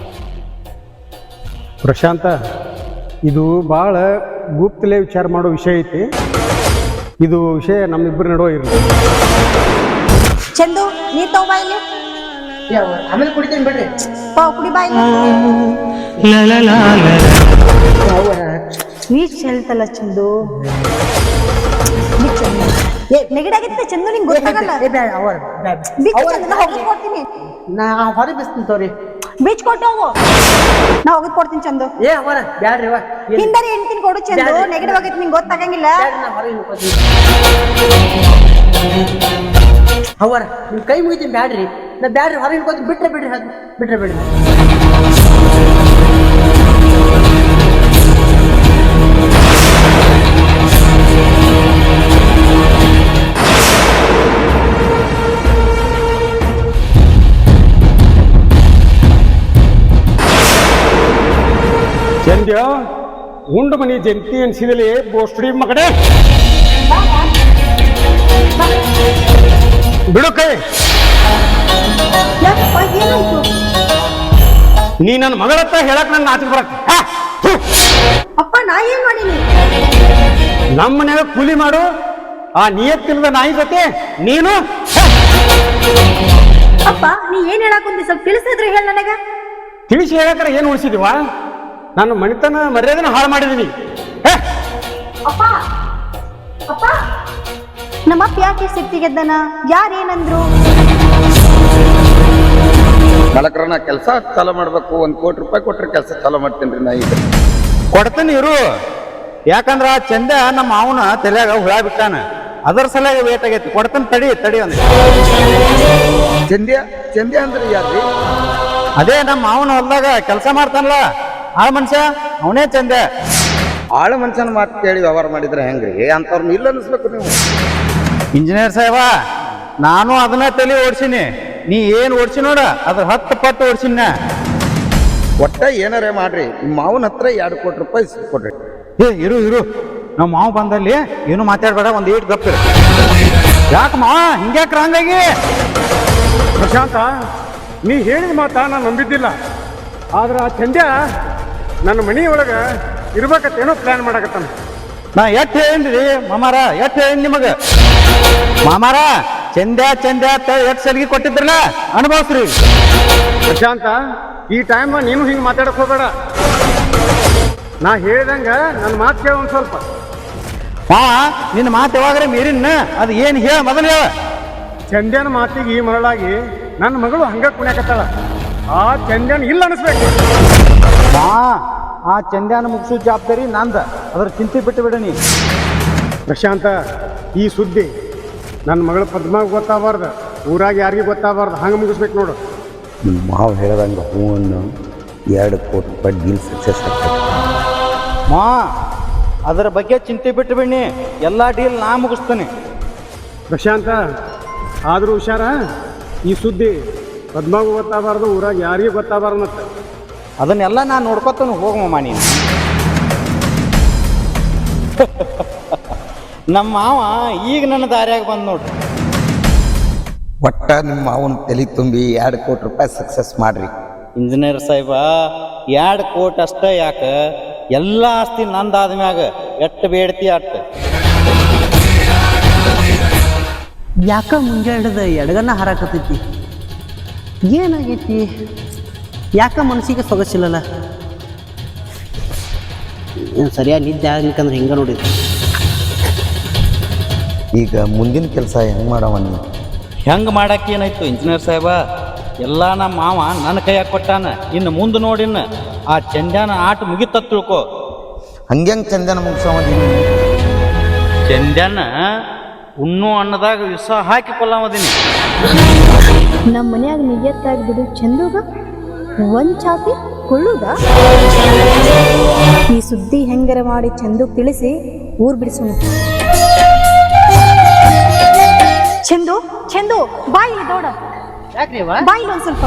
A: ಪ್ರಶಾಂತ, ಇದು ಭಾಳ ಗುಪ್ತಲೇ ವಿಚಾರ ಮಾಡೋ ವಿಷಯ ಐತಿ. ಇದು ವಿಷಯ ನಮ್ಮಿಬ್ಬರ ನಡುವೆ ಇರಲಿ.
D: ಚಂದು ನೀರ್ ತಗೋ ಬಾ ಇಲ್ಲಿ.
B: ಆಮೇಲೆ ಕುಡಿತೀನಿ ಬಿಡ್ರಿ.
D: ಪಾ ಕುಡಿ ಬಾ ಇಲ್ಲಿ. ನೀರ್ ಚೆಲ್ತಲ್ಲ ಚಂದು. ಬಿಚ್ಚು. ಏ ನೆಗಡಿ ಆಗಿತ್ತೆ ಚಂದು, ನಿಂಗೆ ಗೊತ್ತಾಗಲ್ಲ. ಬಿಚ್ಚು ಚಂದು, ನಾ ಹೋಗಿ ಕೊಡ್ತೀನಿ.
B: ನಾ ಹೊರಗೆ ಬಿಸ್ತೀನಿ ತೋರಿ.
D: ಬೀಚ್ ಕೊಟ್ಟು ಹೋಗು, ನಾ ಹೋಗಿ ಕೊಡ್ತೀನಿ ಚಂದು.
B: ಏ ಅವರ ಬ್ಯಾಡ್ರಿ ಅವ್ವ.
D: ಹಿಂದಾರಿ ಹೆಣ್ತೀನಿ ಕೊಡು ಚಂದು, ನೆಗಡಿ ಆಗೈತಿ ನಿಂಗೆ ಗೊತ್ತಾಗಂಗಿಲ್ಲ.
B: ಅವರ ನಿಮ್ ಕೈ ಮುಗಿತೀನಿ ಬ್ಯಾಡ್ರಿ. ನಾ ಬ್ಯಾಡ್ರಿ, ಹೊರಗೆ ಹಿಡ್ಕೊತೀನಿ. ಬಿಟ್ರೆ ಬಿಡ್ರಿ, ಅದು ಬಿಟ್ರೆ ಬಿಡ್ರಿ.
A: ಚಂದ್ಯ, ಉಂಡು ಮನಿ ಜಂತಿ ಅನ್ಸಿದಲ್ಲಿ ಬೋಸ್ಡಿ ಮಗಡೆ ಬಿಡು ಕೈ.
D: ಯಾಕಪ್ಪ ಏನಾಯ್ತು?
A: ನೀ ನನ್ನ ಮಗಳತ್ತ ಹೇಳಕ್ ನನ್ನ ನಾಚಿಕೆ ಬರಕ್.
D: ಅಪ್ಪ ನಾ ಏನ್ ಮಾಡೀನಿ?
A: ನಮ್ಮ ಮನ್ಯಾಗ ಕೂಲಿ ಮಾಡು ಆ ನಿಯತ್ತಿಲ್ಲದ ನಾಯಿ ಜೊತೆ ನೀನು.
D: ಅಪ್ಪ ನೀ ಏನ್ ಹೇಳಕ್ ಕುಂತಿ? ಸ್ವಲ್ಪ ತಿಳಿಸಿದ್ರೆ ಹೇಳ ನನಗ.
A: ತಿಳಿಸಿ ಹೇಳಕ್ರ ಏನು ಉಳಿಸಿದೀವ? ನಾನು ಮಣಿತನ ಮರ್ಯಾದನ ಹಾಳು ಮಾಡಿದೀನಿ.
D: ಅಪ್ಪ ಅಪ್ಪ ನಮ್ಮಪ್ಪ ಯಾಕೆ ಸಿಟ್ಟಿಗೆದ್ದನ? ಯಾರೇನಂದ್ರು?
E: ಮಲಕ್ರ ನಾ ಕೆಲಸ ಚಾಲೂ ಮಾಡ್ಬೇಕು, ಒಂದ್ ಕೋಟಿ ರೂಪಾಯಿ ಕೊಟ್ರೆ ಕೆಲಸ ಚಾಲೂ ಮಾಡ್ತೀನಿ ರೀ ನಾ ಈಗ.
C: ಕೊಡ್ತೀನಿ ಇರು. ಯಾಕಂದ್ರ ಆ ಚಂದ ನಮ್ಮ ಅವನ ತಲೆಯಾಗ ಹುಳ ಬಿಟ್ಟಾನ, ಅದರ ಸಲುವಾಗಿ ವೇಟ್ ಆಗೈತಿ. ಕೊಡ್ತಾನೆ, ತಡಿ ತಡಿ ಅಂದ.
E: ಚಂದ್ಯ ಚಂದ್ಯ ಅಂದ್ರೆ ಯಾರ್ರಿ?
C: ಅದೇ ನಮ್ಮ ಅವನ ಹೊಲ್ದಾಗ ಕೆಲಸ ಮಾಡ್ತಾನಲ್ಲ ಆ ಮನುಷ್ಯ, ಅವನೇ ಚಂದ.
E: ಆಳ ಮನುಷ್ಯನ ಮಾತು ಕೇಳಿ ವ್ಯವಹಾರ ಮಾಡಿದ್ರೆ ಹೆಂಗ್ರಿ? ಅಂತವ್ರನ್ನ ಇಲ್ಲ ಅನಿಸ್ಬೇಕು ನೀವು.
C: ಇಂಜಿನಿಯರ್ ಸಾಹೇಬ, ನಾನು ಅದನ್ನ ತಲೆ ಓಡಿಸಿನಿ. ನೀ ಏನು ಓಡಿಸಿ ನೋಡ, ಅದ್ರ ಹತ್ತು ಪಟ್ಟು ಓಡಿಸಿನ.
E: ಒಟ್ಟ ಏನಾರೇ ಮಾಡ್ರಿ, ನಿಮ್ಮ ಮಾವನ ಹತ್ರ ಎರಡು ಕೋಟಿ ರೂಪಾಯಿ ಕೊಡ್ರಿ.
C: ಏ ಇರು ಇರು, ನಮ್ಮ ಮಾವು ಬಂದಲ್ಲಿ ಏನು ಮಾತಾಡ್ಬೇಡ, ಒಂದು ಏಟ್ ಗಪ್ಪಿರ. ಯಾಕೆ ಮಾವ ಹಿಂಗ್ಯಾಕ್ರ ಹಂಗಾಗಿ?
A: ಪ್ರಶಾಂತ, ನೀ ಹೇಳಿದ ಮಾತಾ ನಾನು ನಂಬಿದ್ದಿಲ್ಲ. ಆದ್ರೆ ಆ ಚಂದ್ಯ ನನ್ನ ಮನೆಯೊಳಗೆ ಇರ್ಬೇಕತ್ತೇನೋ ಪ್ಲಾನ್ ಮಾಡಕತ್ತಾನ.
C: ನಾ ಎಟ್ ಹೇಳಿನ್ರಿ ಮಾಮಾರ, ಎಟ್ ಹೇಳಿನ್ ನಿಮಗ. ಮಾಮಾರ ಚಂದ್ಯ ಚಂದ್ಯ ಅಂತ ಎಟ್ ಸಲಿಗೆ ಕೊಟ್ಟಿದ್ರಲ್ಲ, ಅನುಭವಿಸ್ರಿ.
A: ಪ್ರಶಾಂತ, ಈ ಟೈಮ್ ನೀನು ಹಿಂಗೆ ಮಾತಾಡಕ್ ಹೋಗ್ಬೇಡ. ನಾ ಹೇಳ್ದಂಗ ನನ್ನ ಮಾತು ಕೇಳ ಒಂದು ಸ್ವಲ್ಪ.
C: ಮಾ ನಿನ್ನ ಮಾತು ಯಾವಾಗ್ರೆ ಮೀರಿನ, ಅದು ಏನು ಹೇಳ ಮೊದಲು ಹೇಳ.
A: ಚಂದ್ಯನ ಮಾತಿಗೆ ಈ ಮರಳಾಗಿ ನನ್ನ ಮಗಳು ಹಂಗ ಕುಣ್ಯಾಕತ್ತಾಳ. ಆ ಚಂದ್ಯನ ಇಲ್ಲ ಅನಿಸ್ಬೇಕು.
C: ಮಾ ಆ ಚಂದ್ಯಾನ ಮುಗಿಸೋ ಜವಾಬ್ದಾರಿ ನಂದ, ಅದ್ರ ಚಿಂತೆ ಬಿಟ್ಟು ಬಿಡನಿ.
A: ಪ್ರಶಾಂತ, ಈ ಸುದ್ದಿ ನನ್ನ ಮಗಳ ಪದ್ಮಾಗ ಗೊತ್ತಾಗಬಾರ್ದು, ಊರಾಗ ಯಾರಿಗೂ ಗೊತ್ತಾಗಬಾರ್ದು. ಹಂಗೆ ಮುಗಿಸ್ಬೇಕು ನೋಡು.
E: ನಿಮ್ಮ ಮಾವು ಹೇಳ್ದಂಗೆ ಹೂ ಅನ್ನು ಎರಡು ಕೋಟಿ ರೂಪಾಯಿ ಡೀಲ್ ಸಕ್ಸಸ್ ಆಗ್ತದೆ.
C: ಮಾ ಅದರ ಬಗ್ಗೆ ಚಿಂತೆ ಬಿಟ್ಟು ಬಿಡ್ನಿ, ಎಲ್ಲ ಡೀಲ್ ನಾ ಮುಗಿಸ್ತೇನೆ.
A: ಪ್ರಶಾಂತ ಆದರೂ ಹುಷಾರ, ಈ ಸುದ್ದಿ ಪದ್ಮಾಗೂ ಗೊತ್ತಾಗಬಾರ್ದು, ಊರಾಗ ಯಾರಿಗೂ ಗೊತ್ತಾಗಬಾರ್ದು. ಮತ್ತೆ
C: ಅದನ್ನೆಲ್ಲ ನಾನು ನೋಡ್ಕೊತಾನು, ಹೋಗಮ್ಮ ನೀನು. ನಮ್ಮ ಮಾವ ಈಗ ನನ್ನ ದಾರಿಯಾಗ ಬಂದು ನೋಡ್ರಿ.
E: ಒಟ್ಟ ನಿಮ್ಮ ಅವನ ತಲೆ ತುಂಬಿ ಎರಡು ಕೋಟಿ ರೂಪಾಯಿ ಸಕ್ಸಸ್ ಮಾಡ್ರಿ.
C: ಇಂಜಿನಿಯರ್ ಸಾಹೇಬ, ಎರಡು ಕೋಟಿ ಅಷ್ಟೇ ಯಾಕೆ, ಎಲ್ಲ ಆಸ್ತಿ ನಂದಾದ ಮ್ಯಾಗ ಎಟ್ಟು ಬೇಡ್ತಿ ಅಟ್ಟ.
B: ಯಾಕ ಮುಂಜಾನೆ ಹಿಡಿದ ಎಡಗನ್ನ ಹಾರಾಕತೈತಿ, ಏನಾಗೈತಿ? ಯಾಕ ಮನಸ್ಸಿಗೆ ಸೊಗಸಿಲ್ಲಲ್ಲ? ಏನು ಸರಿಯಾಗಿ ನಿದ್ದೆ ಆಗ್ಲಿಕ್ಕಂದ್ರೆ ಹಿಂಗೆ ನೋಡಿದ್ವಿ.
E: ಈಗ ಮುಂದಿನ ಕೆಲಸ ಹೆಂಗೆ ಮಾಡವ ನೀವು?
C: ಹೆಂಗೆ ಮಾಡಕ್ಕೆ ಏನಾಯ್ತು ಇಂಜಿನಿಯರ್ ಸಾಹೇಬ, ಎಲ್ಲ ನಮ್ಮ ಮಾವ ನನ್ನ ಕೈಯಾಗ ಕೊಟ್ಟಾನ. ಇನ್ನು ಮುಂದೆ ನೋಡಿನ ಆ ಚಂದ್ಯಾನ ಆಟ ಮುಗಿತ ತಿಳ್ಕೊ.
E: ಹಂಗ್ಯಂಗೆ ಚಂದನ ಮುಗಿಸೋದೀನಿ?
C: ಚಂದ್ಯಾನ ಉಣ್ಣು ಅನ್ನದಾಗ ವಿಷ ಹಾಕಿ ಕೊಲ್ಲವದೀನಿ.
G: ನಮ್ಮ ಮನ್ಯಾಗ ನಿಯತ್ತಾಗಿ ಬಿಡು ಚಂದುಗ ಒಂದ್ ಚಾತಿ ಕೊಳ್ಳುದ. ಈ ಸುದ್ದಿ ಹೆಂಗರ ಮಾಡಿ ಚಂದು ತಿಳಿಸಿ ಊರ್ ಬಿಡಿಸೋಣ. ಚಂದು ಚಂದು ಬಾಯಿ ದೊಡ,
B: ಯಾಕ್ರಿವ
G: ಬಾಯಿ ಒಂದ್ ಸ್ವಲ್ಪ.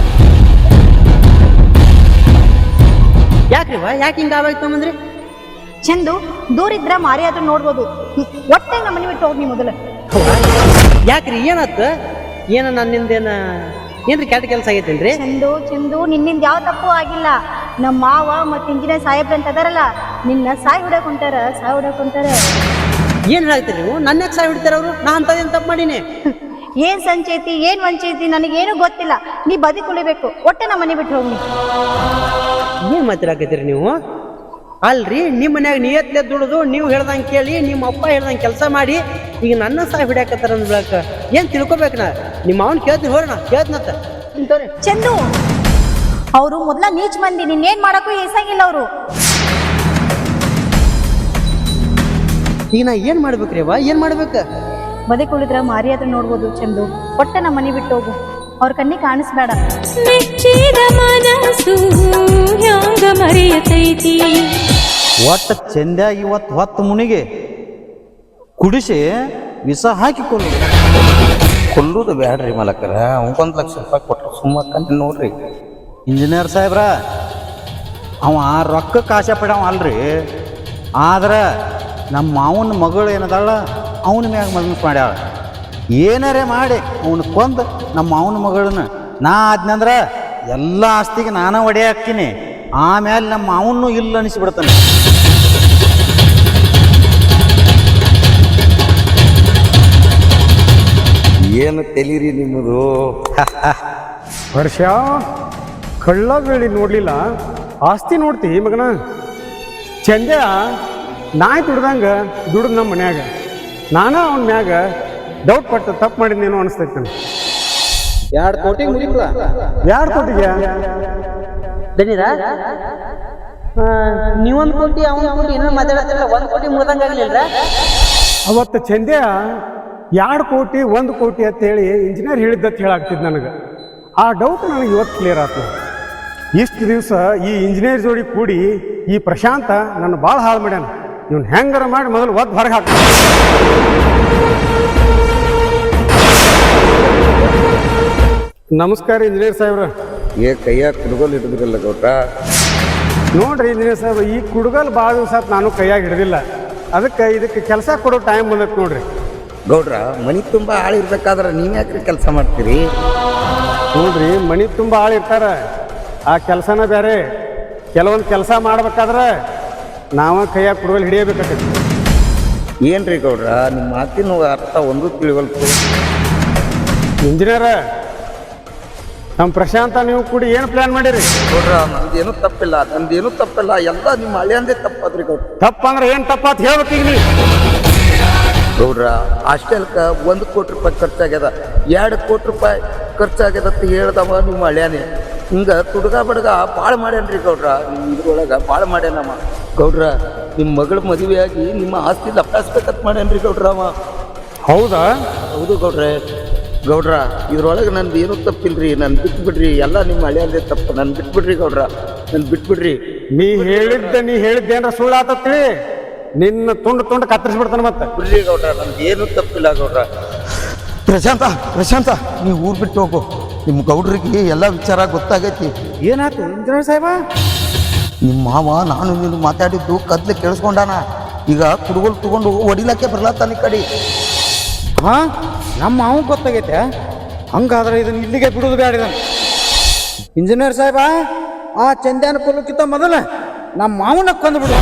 B: ಯಾಕ್ರಿವ ಯಾಕೆ ಹಿಂಗೆ ಆವಾಯ್ತು ಮಂದ್ರಿ?
G: ಚಂದು ದೂರ ಇದ್ರ ಮಾರಿ ಆದ್ರೂ ನೋಡ್ಬೋದು. ಒಟ್ಟೆ ನಮ್ಮ ಮನೆ ಬಿಟ್ಟು ಹೋಗಿ ಮೊದಲ.
B: ಯಾಕ್ರಿ ಏನಾತ? ಏನ ನನ್ನಿಂದೇನ ಏನ್ರಿ ಕೆಟ್ಟ ಕೆಲಸ ಆಗೈತೇನ್ರಿ?
G: ಚಂದು ಚಂದು ನಿನ್ನಿಂದ ಯಾವ ತಪ್ಪು ಆಗಿಲ್ಲ. ನಮ್ಮ ಮಾವ ಮತ್ತೆ ಇಂಜಿನಿಯರ್ ಸಾಹೇಬ್ರ ಅಂತ ಅದಾರಲ್ಲ, ನಿನ್ನ ಸಾಯ್ ಹೊಡಕ್ ಹೊಂಟಾರ, ಸಾಯ್ ಹೊಡಕ್ ಹೊಂಟಾರ.
B: ಏನ್ ಹೇಳ್ತೀರಿ ನೀವು? ನನ್ನ ಯಾಕೆ ಸಾಯ್ ಹಿಡ್ತಾರ ಅವರು? ನಾ ಅಂತದೇನು ತಪ್ಪು ಮಾಡೀನಿ?
G: ಏನ್ ಸಂಚೈತಿ ಏನ್ ವಂಚೈತಿ ನನಗೇನು ಗೊತ್ತಿಲ್ಲ. ನೀ ಬದುಕುಳಿಬೇಕು. ಒಟ್ಟೆ ನಮ್ಮ ಮನೆ ಬಿಟ್ಟು ಹೋಗಿ.
B: ಏನ್ ಮಾತಾಡಕತ್ತೀರಿ ನೀವು? ಅಲ್ರಿ, ನಿಮ್ಮ ಮನ್ಯಾಗ ನಿಯತ್ಲೆ ದುಡಿದು ನೀವು ಹೇಳ್ದಂಗೆ ಕೇಳಿ ನಿಮ್ಮ ಅಪ್ಪ ಹೇಳ್ದಂಗೆ ಕೆಲಸ ಮಾಡಿ ಈಗ ನನ್ನ ಸಾಯ್ ಹಿಡಿಯಾಕತ್ತಾರ ಅಂದ್ಬೇಕ ಏನ್ ತಿಳ್ಕೊಬೇಕು? ನಾ ನಿಮ್ಮ ಅವನ್ ಕೇಳ್ತೀನಿ, ಹೋರೋಣ ಕೇಳ್ತನತ್ತ ಇಂತವ್ರಿ.
G: ಚಂದು ಅವರು ಮೊದ್ಲ ನೀಚ್ ಮಂದಿ, ನಿನ್ನೇನ್ ಮಾಡಕ್ಕೂ ಏಸಾಗಿಲ್ಲ ಅವರು.
B: ಈಗ ನಾ ಏನ್ ಮಾಡ್ಬೇಕ್ರಿ ಅವ್ವ? ಏನ್ ಮಾಡ್ಬೇಕ?
G: ಬದುಕುಳಿದ್ರ ಮಾರಿ ಹತ್ರ ನೋಡ್ಬೋದು. ಚಂದು ಒಟ್ಟೆ ನಮ್ಮ ಮನೆ ಬಿಟ್ಟು ಹೋಗು. ಅವ್ರ ಕಣ್ಣಿ ಕಾಣಿಸ್ಬೇಡ.
H: ಮೆಚ್ಚಿದ ಮನಸ್ಸು ಹ್ಯಾಂಗ ಮರೆಯತೈತಿ.
C: ಒಟ್ಟು ಚಂದ್ಯ ಇವತ್ತು ಹೊತ್ತು ಮುನಿಗೆ ಕುಡಿಸಿ ವಿಷ ಹಾಕಿ ಕೊಲ್ಲು.
E: ಕೊಲ್ಲುದು ಬ್ಯಾಡ್ರಿ ಮಲಕರ, ಅವಗೊಂದು ಲಕ್ಷ ರೂಪಾಯಿ ಕೊಟ್ಟರು ಸುಮ್ಮಕ್ಕಂತ ನೋಡ್ರಿ.
C: ಇಂಜಿನಿಯರ್ ಸಾಹೇಬ್ರ, ಅವ ರೊಕ್ಕಕ್ಕೆ ಆಸೆ ಪಡ್ಯಾವ ಅಲ್ರಿ, ಆದ್ರೆ ನಮ್ಮ ಮಾವನ ಮಗಳು ಏನದಾಳ ಅವನ ಮ್ಯಾಗ ಮನಸ್ಸು ಮಾಡ್ಯಾಳ. ಏನಾರೇ ಮಾಡಿ ಅವನು ಕೊಂದು ನಮ್ಮ ಮಾವನ ಮಗಳನ್ನ ನಾ ಆದ್ನಂದ್ರೆ ಎಲ್ಲ ಆಸ್ತಿಗೆ ನಾನೇ ಒಡೆ ಹಾಕ್ತೀನಿ. ಆಮೇಲೆ ನಮ್ಮ ಮಾವನ್ನೂ ಇಲ್ಲ ಅನಿಸ್ಬಿಡ್ತಾನೆ.
E: ಏನು ತೆಲೀರಿ ನಿಮ್ಮದು?
A: ವರ್ಷ ಕಳ್ಳ ಬೇಳಿ ನೋಡ್ಲಿಲ್ಲ, ಆಸ್ತಿ ನೋಡ್ತಿ ಮಗನ. ಚಂದ್ಯ ನಾಯಿ ದುಡ್ದಂಗೆ ದುಡ್ದು ನಮ್ಮ ಮನ್ಯಾಗ, ನಾನ ಅವನ ಮ್ಯಾಗ ಡೌಟ್ ಪಟ್ಟು ತಪ್ಪು ಮಾಡಿದ್ನೇನೋ ಅನಿಸ್ತೈತೆ ನನಗೆ.
C: ಎರಡು ಕೋಟಿ ಮುಗಿಲ್ಲ.
A: ಯಾರ ಕೋಟಿಗೆ?
B: ದಣಿರ ನೀವೊಂದು ಕೋಟಿ ಅವನ ಕೋಟಿ ಏನೋ ಮಾತಾಡತ್ತಿರಲ್ಲ, ಒಂದು ಕೋಟಿ ಮುಗ್ದಂಗಾಗ್ಲಿಲ್ಲ.
A: ಅವತ್ತು ಚಂದ್ಯ ಎರಡು ಕೋಟಿ ಒಂದು ಕೋಟಿ ಅಂತೇಳಿ ಇಂಜಿನಿಯರ್ ಹೇಳಿದ್ದತ್ತು ಹೇಳಾಗ್ತಿದ್ದು ನನಗೆ. ಆ ಡೌಟ್ ನನಗೆ ಇವತ್ತು ಕ್ಲಿಯರ್ ಆಯ್ತು. ಇಷ್ಟು ದಿವಸ ಈ ಇಂಜಿನಿಯರ್ ಜೋಡಿ ಕೂಡಿ ಈ ಪ್ರಶಾಂತ ನನ್ನ ಭಾಳ ಹಾಳು ಮಾಡ್ಯಾನ. ಇವ್ನು ಹೆಂಗಾರ ಮಾಡಿ ಮೊದಲು ಒದ್ದು ಹೊರಗೆ ಹಾಕ. ನಮಸ್ಕಾರ ಇಂಜಿನಿಯರ್ ಸಾಹೇಬ್ರ.
E: ಏ ಕೈಯಾಗ ಕುಡ್ಗೋಲ್ ಹಿಡಿದ್ರಲ್ಲ ಗೌಡ್ರ.
A: ನೋಡ್ರಿ ಇಂಜಿನಿಯರ್ ಸಾಹೇಬ್ರ, ಈ ಕುಡ್ಗಲ್ ಭಾಳ ದಿವಸ ನಾನು ಕೈಯಾಗಿ ಹಿಡಿದಿಲ್ಲ. ಅದಕ್ಕೆ ಇದಕ್ಕೆ ಕೆಲಸ ಕೊಡೋ ಟೈಮ್ ಬಂದೈತೆ ನೋಡ್ರಿ.
E: ಗೌಡ್ರ, ಮನಿ ತುಂಬ ಆಳಿರ್ಬೇಕಾದ್ರೆ ನೀವು ಯಾಕ್ರಿ ಕೆಲಸ ಮಾಡ್ತೀರಿ?
A: ನೋಡ್ರಿ, ಮನೆ ತುಂಬ ಆಳು ಇರ್ತಾರೆ, ಆ ಕೆಲಸನ ಬೇರೆ. ಕೆಲವೊಂದು ಕೆಲಸ ಮಾಡ್ಬೇಕಾದ್ರೆ ನಾವ ಕೈಯಾಗ ಕುಡ್ಗಲ್ ಹಿಡಿಯಬೇಕಾಗ್ತೈತಿ.
E: ಏನ್ರಿ ಗೌಡ್ರ, ನಿಮ್ಮ ಮಾತಿನ ಅರ್ಥ ಒಂದು ತಿಳಿವಲ್ತು.
A: ಇಂಜಿನಿಯರ, ನಮ್ಮ ಪ್ರಶಾಂತ ನೀವು ಕೂಡಿ ಏನು ಪ್ಲಾನ್ ಮಾಡಿರಿ?
E: ಗೌಡ್ರ, ನಂದೇನು ತಪ್ಪಿಲ್ಲ, ನಂದೇನು ತಪ್ಪಿಲ್ಲ, ಎಲ್ಲ ನಿಮ್ಮ ಹಳೆಯಂದೇ ತಪ್ಪದ್ರಿ ಗೌಡ್ರ.
A: ತಪ್ಪಂದ್ರೆ ಏನು ತಪ್ಪಾತ್ ಹೇಳ್ಬೇಕು ಈಗ ನೀವು.
E: ಗೌಡ್ರ, ಹಾಸ್ಟೆಲ್ಗೆ ಒಂದು ಕೋಟಿ ರೂಪಾಯಿ ಖರ್ಚಾಗ್ಯದ, ಎರಡು ಕೋಟಿ ರೂಪಾಯಿ ಖರ್ಚಾಗ್ಯದ ಅಂತ ಹೇಳ್ದವ ನಿಮ್ಮ ಹಳ್ಯಾನೆ. ಹಿಂಗೆ ತುಡ್ಗ ಬಡ್ಗ ಭಾಳ ಮಾಡ್ಯಾನ್ರಿ ಗೌಡ್ರ. ನಿಮ್ಮ ಇದ್ರೊಳಗೆ ಭಾಳ ಮಾಡ್ಯಾನಮ್ಮ. ಗೌಡ್ರ, ನಿಮ್ಮ ಮಗಳ ಮದುವೆಯಾಗಿ ನಿಮ್ಮ ಆಸ್ತಿ ಲಪ್ಟಾಸ್ಬೇಕಂತ ಮಾಡ್ಯಾನ್ರಿ ಗೌಡ್ರ ಅವ.
A: ಹೌದಾ?
E: ಹೌದು ಗೌಡ್ರೆ. ಗೌಡ್ರ, ಇದ್ರೊಳಗೆ ನಂದು ಏನೂ ತಪ್ಪಿಲ್ರಿ, ನಾನು ಬಿಟ್ಬಿಡ್ರಿ. ಎಲ್ಲ ನಿಮ್ಮ ಹಳ್ಯಾದೇ ತಪ್ಪು, ನಾನು ಬಿಟ್ಬಿಡ್ರಿ ಗೌಡ್ರ, ನಾನು ಬಿಟ್ಬಿಡ್ರಿ.
A: ನೀ ಹೇಳಿದ್ದ ನೀ ಹೇಳಿದ್ದೇನ್ರ ಸುಳ್ಳು ಆತತ್ತಿ? ನಿನ್ನ ತುಂಡು ತುಂಡು ಕತ್ತರಿಸ್ಬಿಡ್ತಾನೆ ಮತ್ತೆ.
E: ಬಿಡ್ರಿ ಗೌಡ್ರ, ನಮ್ದು ಏನು ತಪ್ಪಿಲ್ಲ ಗೌಡ್ರ.
I: ಪ್ರಶಾಂತ ಪ್ರಶಾಂತ ನೀವು ಊರು ಬಿಟ್ಟು ಹೋಗು. ನಿಮ್ಮ ಗೌಡ್ರಿಗೆ ಎಲ್ಲ ವಿಚಾರ ಗೊತ್ತಾಗೈತಿ.
C: ಏನಾಯ್ತು ಇಂಜಿನಿಯರ್ ಸಾಹೇಬ?
I: ನಿಮ್ಮ ಮಾವ ನಾನು ನೀನು ಮಾತಾಡಿದ್ದು ಕದ್ಲೆ ಕೇಳಿಸ್ಕೊಂಡಾನ. ಈಗ ಕುಡುಗೋಲು ತಗೊಂಡು ಹೊಡಿಲಕ್ಕೆ ಬರ್ಲತ್ತಾನ ಈ ಕಡೆ.
C: ಹಾ, ನಮ್ಮ ಮಾವು ಗೊತ್ತಾಗೈತೆ. ಹಂಗಾದ್ರೆ ಇದನ್ನ ಇಲ್ಲಿಗೆ ಬಿಡೋದು ಬೇಡ. ಇದನ್ನು ಇಂಜಿನಿಯರ್ ಸಾಹೇಬ, ಆ ಚಂದ್ಯಾನ ಕೊಲ್ಲಕ್ಕಿಂತ ಮೊದಲ ನಮ್ಮ ಮಾವನ ಕೊಂದು ಬಿಡು.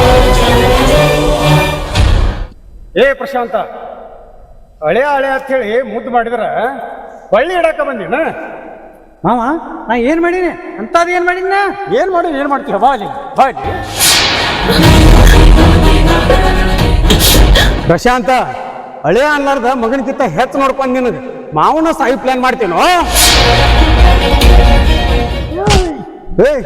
A: ಏ ಪ್ರಶಾಂತ, ಹಳೆ ಹಳೆ ಅಂತ ಹೇಳಿ ಮುದ್ದು ಮಾಡಿದ್ರ ಬಳ್ಳಿ ಇಡಾಕ ಬಂದಿನ
C: ಮಾವ, ನಾ ಏನು ಮಾಡೀನಿ ಅಂಥದ್ದು ಏನು ಮಾಡೀನಿ? ನಾ
A: ಏನ್ ಮಾಡಿ ಏನ್ ಮಾಡ್ತೀರ? ಬಾಲಿ ಬಾಲಿ ಪ್ರಶಾಂತ, ಹಳೆ ಅನ್ಲಾರ್ದ ಮಗನಕ್ಕಿಂತ ಹೆಚ್ಚು ನೋಡ್ಕೊಂಡು ನಿನಗೆ ಮಾವನ ಸಾಯಿ ಪ್ಲಾನ್ ಮಾಡ್ತೀನೋ? ಏಯ್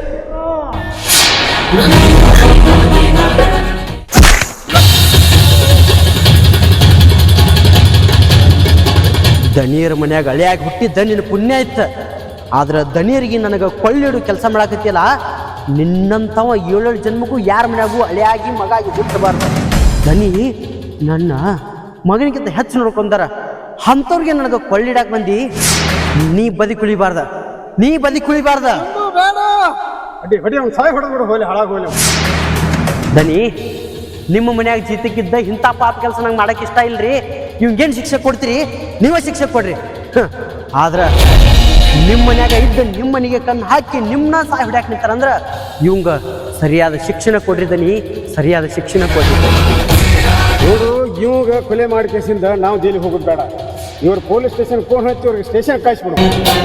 B: ದನಿಯರ ಮನ್ಯಾಗ ಹಳೆಯಾಗಿ ಹುಟ್ಟಿದ್ದ ನಿನ್ನ ಪುಣ್ಯ ಇತ್ತು. ಆದ್ರೆ ದನಿಯರಿಗೆ ನನಗೆ ಕೊಳ್ಳಿಡು ಕೆಲಸ ಮಾಡಾಕತ್ತಿಲ್ಲ. ನಿನ್ನಂಥವ ಏಳೇಳು ಜನ್ಮಕ್ಕೂ ಯಾರ ಮನ್ಯಾಗೂ ಹಳೆಯಾಗಿ ಮಗ ಆಗಿ ಹುಟ್ಟಬಾರ್ದು. ದನಿ ನನ್ನ ಮಗನಿಗಿಂತ ಹೆಚ್ಚು ನೋಡ್ಕೊಂಡಾರ. ಅಂಥವ್ರಿಗೆ ನನಗೆ ಕೊಳ್ಳಿಡಾಕ ಬಂದು ನೀ ಬದಿ ಕುಳಿಬಾರ್ದ, ನೀ ಬದಿ ಕುಳಿಬಾರ್ದ.
A: ಅಡ್ಡಿ ಹೊಡಿ, ಅವ್ನು ಸಾಯಿ ಹೊಡೆದ್ಬಿಡು, ಹೋಲಿ ಹಾಳಾಗಿ ಹೋಲಿ.
B: ದನಿ, ನಿಮ್ಮ ಮನ್ಯಾಗ ಜೀತಕ್ಕಿದ್ದ ಇಂಥ ಪಾಪ ಕೆಲಸ ನಂಗೆ ಮಾಡಕ್ಕೆ ಇಷ್ಟ ಇಲ್ರಿ. ಇವ್ಗೇನು ಶಿಕ್ಷೆ ಕೊಡ್ತೀರಿ? ನೀವೇ ಶಿಕ್ಷೆ ಕೊಡ್ರಿ. ಆದ್ರೆ ನಿಮ್ಮ ಮನ್ಯಾಗ ಇದ್ದ ನಿಮ್ಮ ಮನೆಗೆ ಕಣ್ಣು ಹಾಕಿ ನಿಮ್ಮನ್ನ ಸಾಯಿ ಹೊಡ್ಯಾಕ ನಿಂತಾರಂದ್ರೆ ಇವಂಗ ಸರಿಯಾದ ಶಿಕ್ಷಣ ಕೊಡ್ರಿ. ದನಿ, ಸರಿಯಾದ ಶಿಕ್ಷಣ ಕೊಡ್ರಿ.
A: ಇವರು ಇವಾಗ ಕೊಲೆ ಮಾಡಿ ಕೇಸಿಂದ ನಾವು ಜೈಲಿಗೆ ಹೋಗೋದು ಬೇಡ. ಇವ್ರು ಪೊಲೀಸ್ ಸ್ಟೇಷನ್ ಫೋನ್ ಹಚ್ಚಿ ಅವ್ರಿಗೆ ಸ್ಟೇಷನ್ ಕಾಯಿಸ್ಬಿಡು.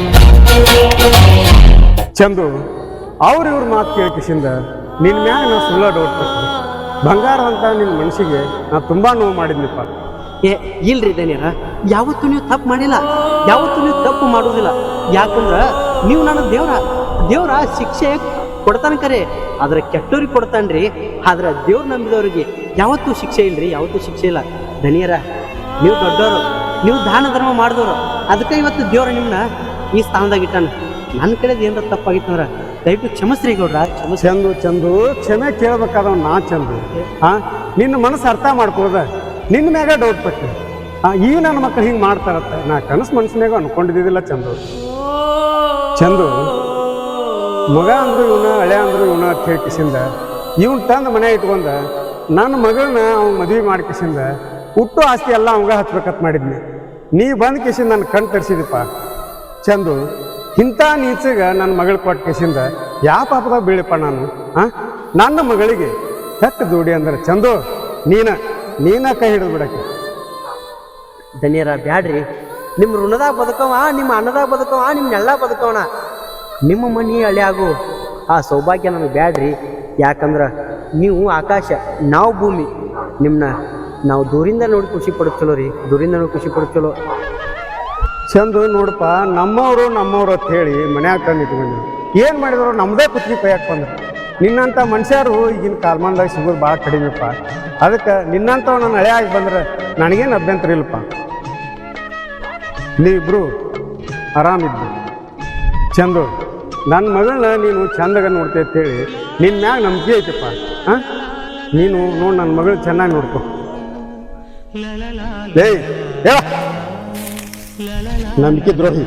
A: ಚಂದು, ಅವ್ರು ಇವ್ರ ಮಾತು ಕೇಳಿಕಿಸಿಂದ ನಿನ್ನ ಮ್ಯಾಗ ನಾ ಸುಳ್ಳ ಡೌಟ್ ಪಡ್ತೀನಿ. ಬಂಗಾರ ಅಂತ ನಿನ್ನ ಮನಸ್ಸಿಗೆ ನಾ ತುಂಬ ನೋವು ಮಾಡಿದ್ನಿಪ್ಪ.
B: ಏ ಇಲ್ರಿ ದನಿಯರ, ಯಾವತ್ತೂ ನೀವು ತಪ್ಪು ಮಾಡಿಲ್ಲ, ಯಾವತ್ತೂ ನೀವು ತಪ್ಪು ಮಾಡೋದಿಲ್ಲ. ಯಾಕಂದ್ರೆ ನೀವು ನನ್ನ ದೇವ್ರ ದೇವ್ರ ಶಿಕ್ಷೆ ಕೊಡ್ತಾನೆ ಕರೆ, ಆದ್ರೆ ಕೆಟ್ಟವ್ರಿಗೆ ಕೊಡ್ತಾನ್ರಿ. ಆದ್ರೆ ದೇವ್ರು ನಂಬಿದವ್ರಿಗೆ ಯಾವತ್ತೂ ಶಿಕ್ಷೆ ಇಲ್ರಿ, ಯಾವತ್ತೂ ಶಿಕ್ಷೆ ಇಲ್ಲ. ದನಿಯರ, ನೀವು ದೊಡ್ಡವರು, ನೀವು ದಾನ ಧರ್ಮ ಮಾಡಿದವರು. ಅದಕ್ಕೆ ಇವತ್ತು ದೇವ್ರ ನಿಮ್ಮನ್ನ ಈ ಸ್ಥಾನದಾಗ ಇಟ್ಟಾನ. ನನ್ನ ಕಡೆದು ಏನಾರ ತಪ್ಪಾಗಿತ್ತಂದ್ರೆ ದಯವಿಟ್ಟು ಕ್ಷಮಿಸ್ರಿ ಗೌಡ್ರ, ಕ್ಷಮಿಸ್.
A: ಚಂದು ಚಂದು ಕ್ಷಮೆ ಕೇಳ್ಬೇಕಾದವ್ ನಾ ಚಂದು. ಹಾ, ನಿನ್ನ ಮನಸ್ಸು ಅರ್ಥ ಮಾಡ್ಕೊಳ್ಳೋದ ನಿನ್ನ ಮ್ಯಾಗ ಡೌಟ್ ಪಟ್ಟು ಹಾ ಈ ನನ್ನ ಮಕ್ಕಳು ಹಿಂಗೆ ಮಾಡ್ತಾರತ್ತ ನಾ ಕನಸು ಮನಸ್ಸಿನಾಗ ಅನ್ಕೊಂಡಿದ್ದಿಲ್ಲ. ಚಂದು ಚಂದು ಮಗ ಅಂದ್ರು ಇವನ, ಹಳೆ ಅಂದ್ರು ಇವನ ಅಂತ ಹೇಳಿ ಕಿಸಿಂದ ಇವ್ನ ತಂದು ಮನೆ ಇಟ್ಕೊಂಡ ನನ್ನ ಮಗಳನ್ನ ಅವ್ನ ಮದುವೆ ಮಾಡಿ ಕಿಸಿಂದ ಹುಟ್ಟು ಆಸ್ತಿ ಎಲ್ಲ ಅವಂಗ ಹಚ್ಬೇಕಂತ ಮಾಡಿದ್ನಿ. ನೀ ಬಂದು ಕಿಸಿಂದ ನನ್ನ ಕಣ್ ತರಿಸಿದಪ್ಪ. ಚಂದು, ಇಂಥ ನೀಚಗ ನನ್ನ ಮಗಳು ಕೊಟ್ಟ ಕಿಸಿಂದ ಯಾವ ಪಾಪದಾಗ ಬೀಳಪ್ಪ ನಾನು? ಹಾಂ, ನನ್ನ ಮಗಳಿಗೆ ಹೆಕ್ಕ ದುಡಿ ಅಂದ್ರೆ ಚಂದು ನೀನ ನೀನ ಕೈ ಹಿಡಿದು ಬಿಡಕ್ಕೆ.
B: ದನಿಯರ ಬ್ಯಾಡ್ರಿ, ನಿಮ್ಮ ಋಣದಾಗ ಬದುಕವ, ನಿಮ್ಮ ಅನ್ನದಾಗ ಬದುಕವ, ನಿಮ್ಮ ನೆಳ್ಳ ಬದುಕವನ. ನಿಮ್ಮ ಮನೆ ಹಳೆ ಆಗು ಆ ಸೌಭಾಗ್ಯ ನನಗೆ ಬ್ಯಾಡ್ರಿ. ಯಾಕಂದ್ರೆ ನೀವು ಆಕಾಶ, ನಾವು ಭೂಮಿ. ನಿಮ್ಮನ್ನ ನಾವು ದೂರಿಂದ ನೋಡಿ ಖುಷಿ ಪಡೋದು ಚಲೋ ರೀ, ದೂರಿಂದ ನೋಡಿ ಖುಷಿ ಪಡೋದು ಚಲೋ.
A: ಚಂದು ನೋಡಪ್ಪ, ನಮ್ಮವರು ನಮ್ಮವ್ರು ಅಂತ ಹೇಳಿ ಮನ್ಯಾಗ ತಂದು ಇಟ್ಕೊಂಡು ಏನು ಮಾಡಿದ್ರು ನಮ್ಮದೇ ಕುತ್ತಿಗೆ ಕೈಯಾಕೆ ಬಂದ್ರು. ನಿನ್ನಂಥ ಮನುಷ್ಯರು ಈಗಿನ ಕಾಲ್ಮಾನದಾಗ ಸಿಗೋದು ಭಾಳ ಕಡಿಮೆಪ್ಪ. ಅದಕ್ಕೆ ನಿನ್ನಂಥವ್ ನಾನು ಹಳೆ ಆಗಿ ಬಂದ್ರೆ ನನಗೇನು ಅಭ್ಯಂತರ ಇಲ್ಲಪ್ಪ. ನೀವಿಬ್ರು ಆರಾಮಿದ್ದು. ಚಂದು, ನನ್ನ ಮಗಳನ್ನ ನೀನು ಚಂದಾಗ ನೋಡ್ತೀಯ ಅಂತೇಳಿ ನಿನ್ನ ಮ್ಯಾಗ ನಂಬಿಕೆ ಐತಪ್ಪ. ಹಾಂ, ನೀನು ನೋಡಿ ನನ್ನ ಮಗಳು ಚೆನ್ನಾಗಿ ನೋಡ್ಕೊ. ಏಯ್ ಹೇಳ ನಂಬಿಕೆ ದ್ರೋಹಿ.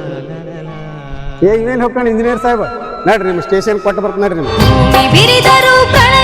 A: ಏ ಇವೇನು ಹೋಗ್ಕೊಂಡು ಇಂಜಿನಿಯರ್ ಸಾಹೇಬ, ನಡ್ರಿ ನಿಮ್ಮ ಸ್ಟೇಷನ್ ಕೊಟ್ಟು ಬರ್ತೀನಿ ನಡ್ರಿ.
H: ಬಿರಿದರು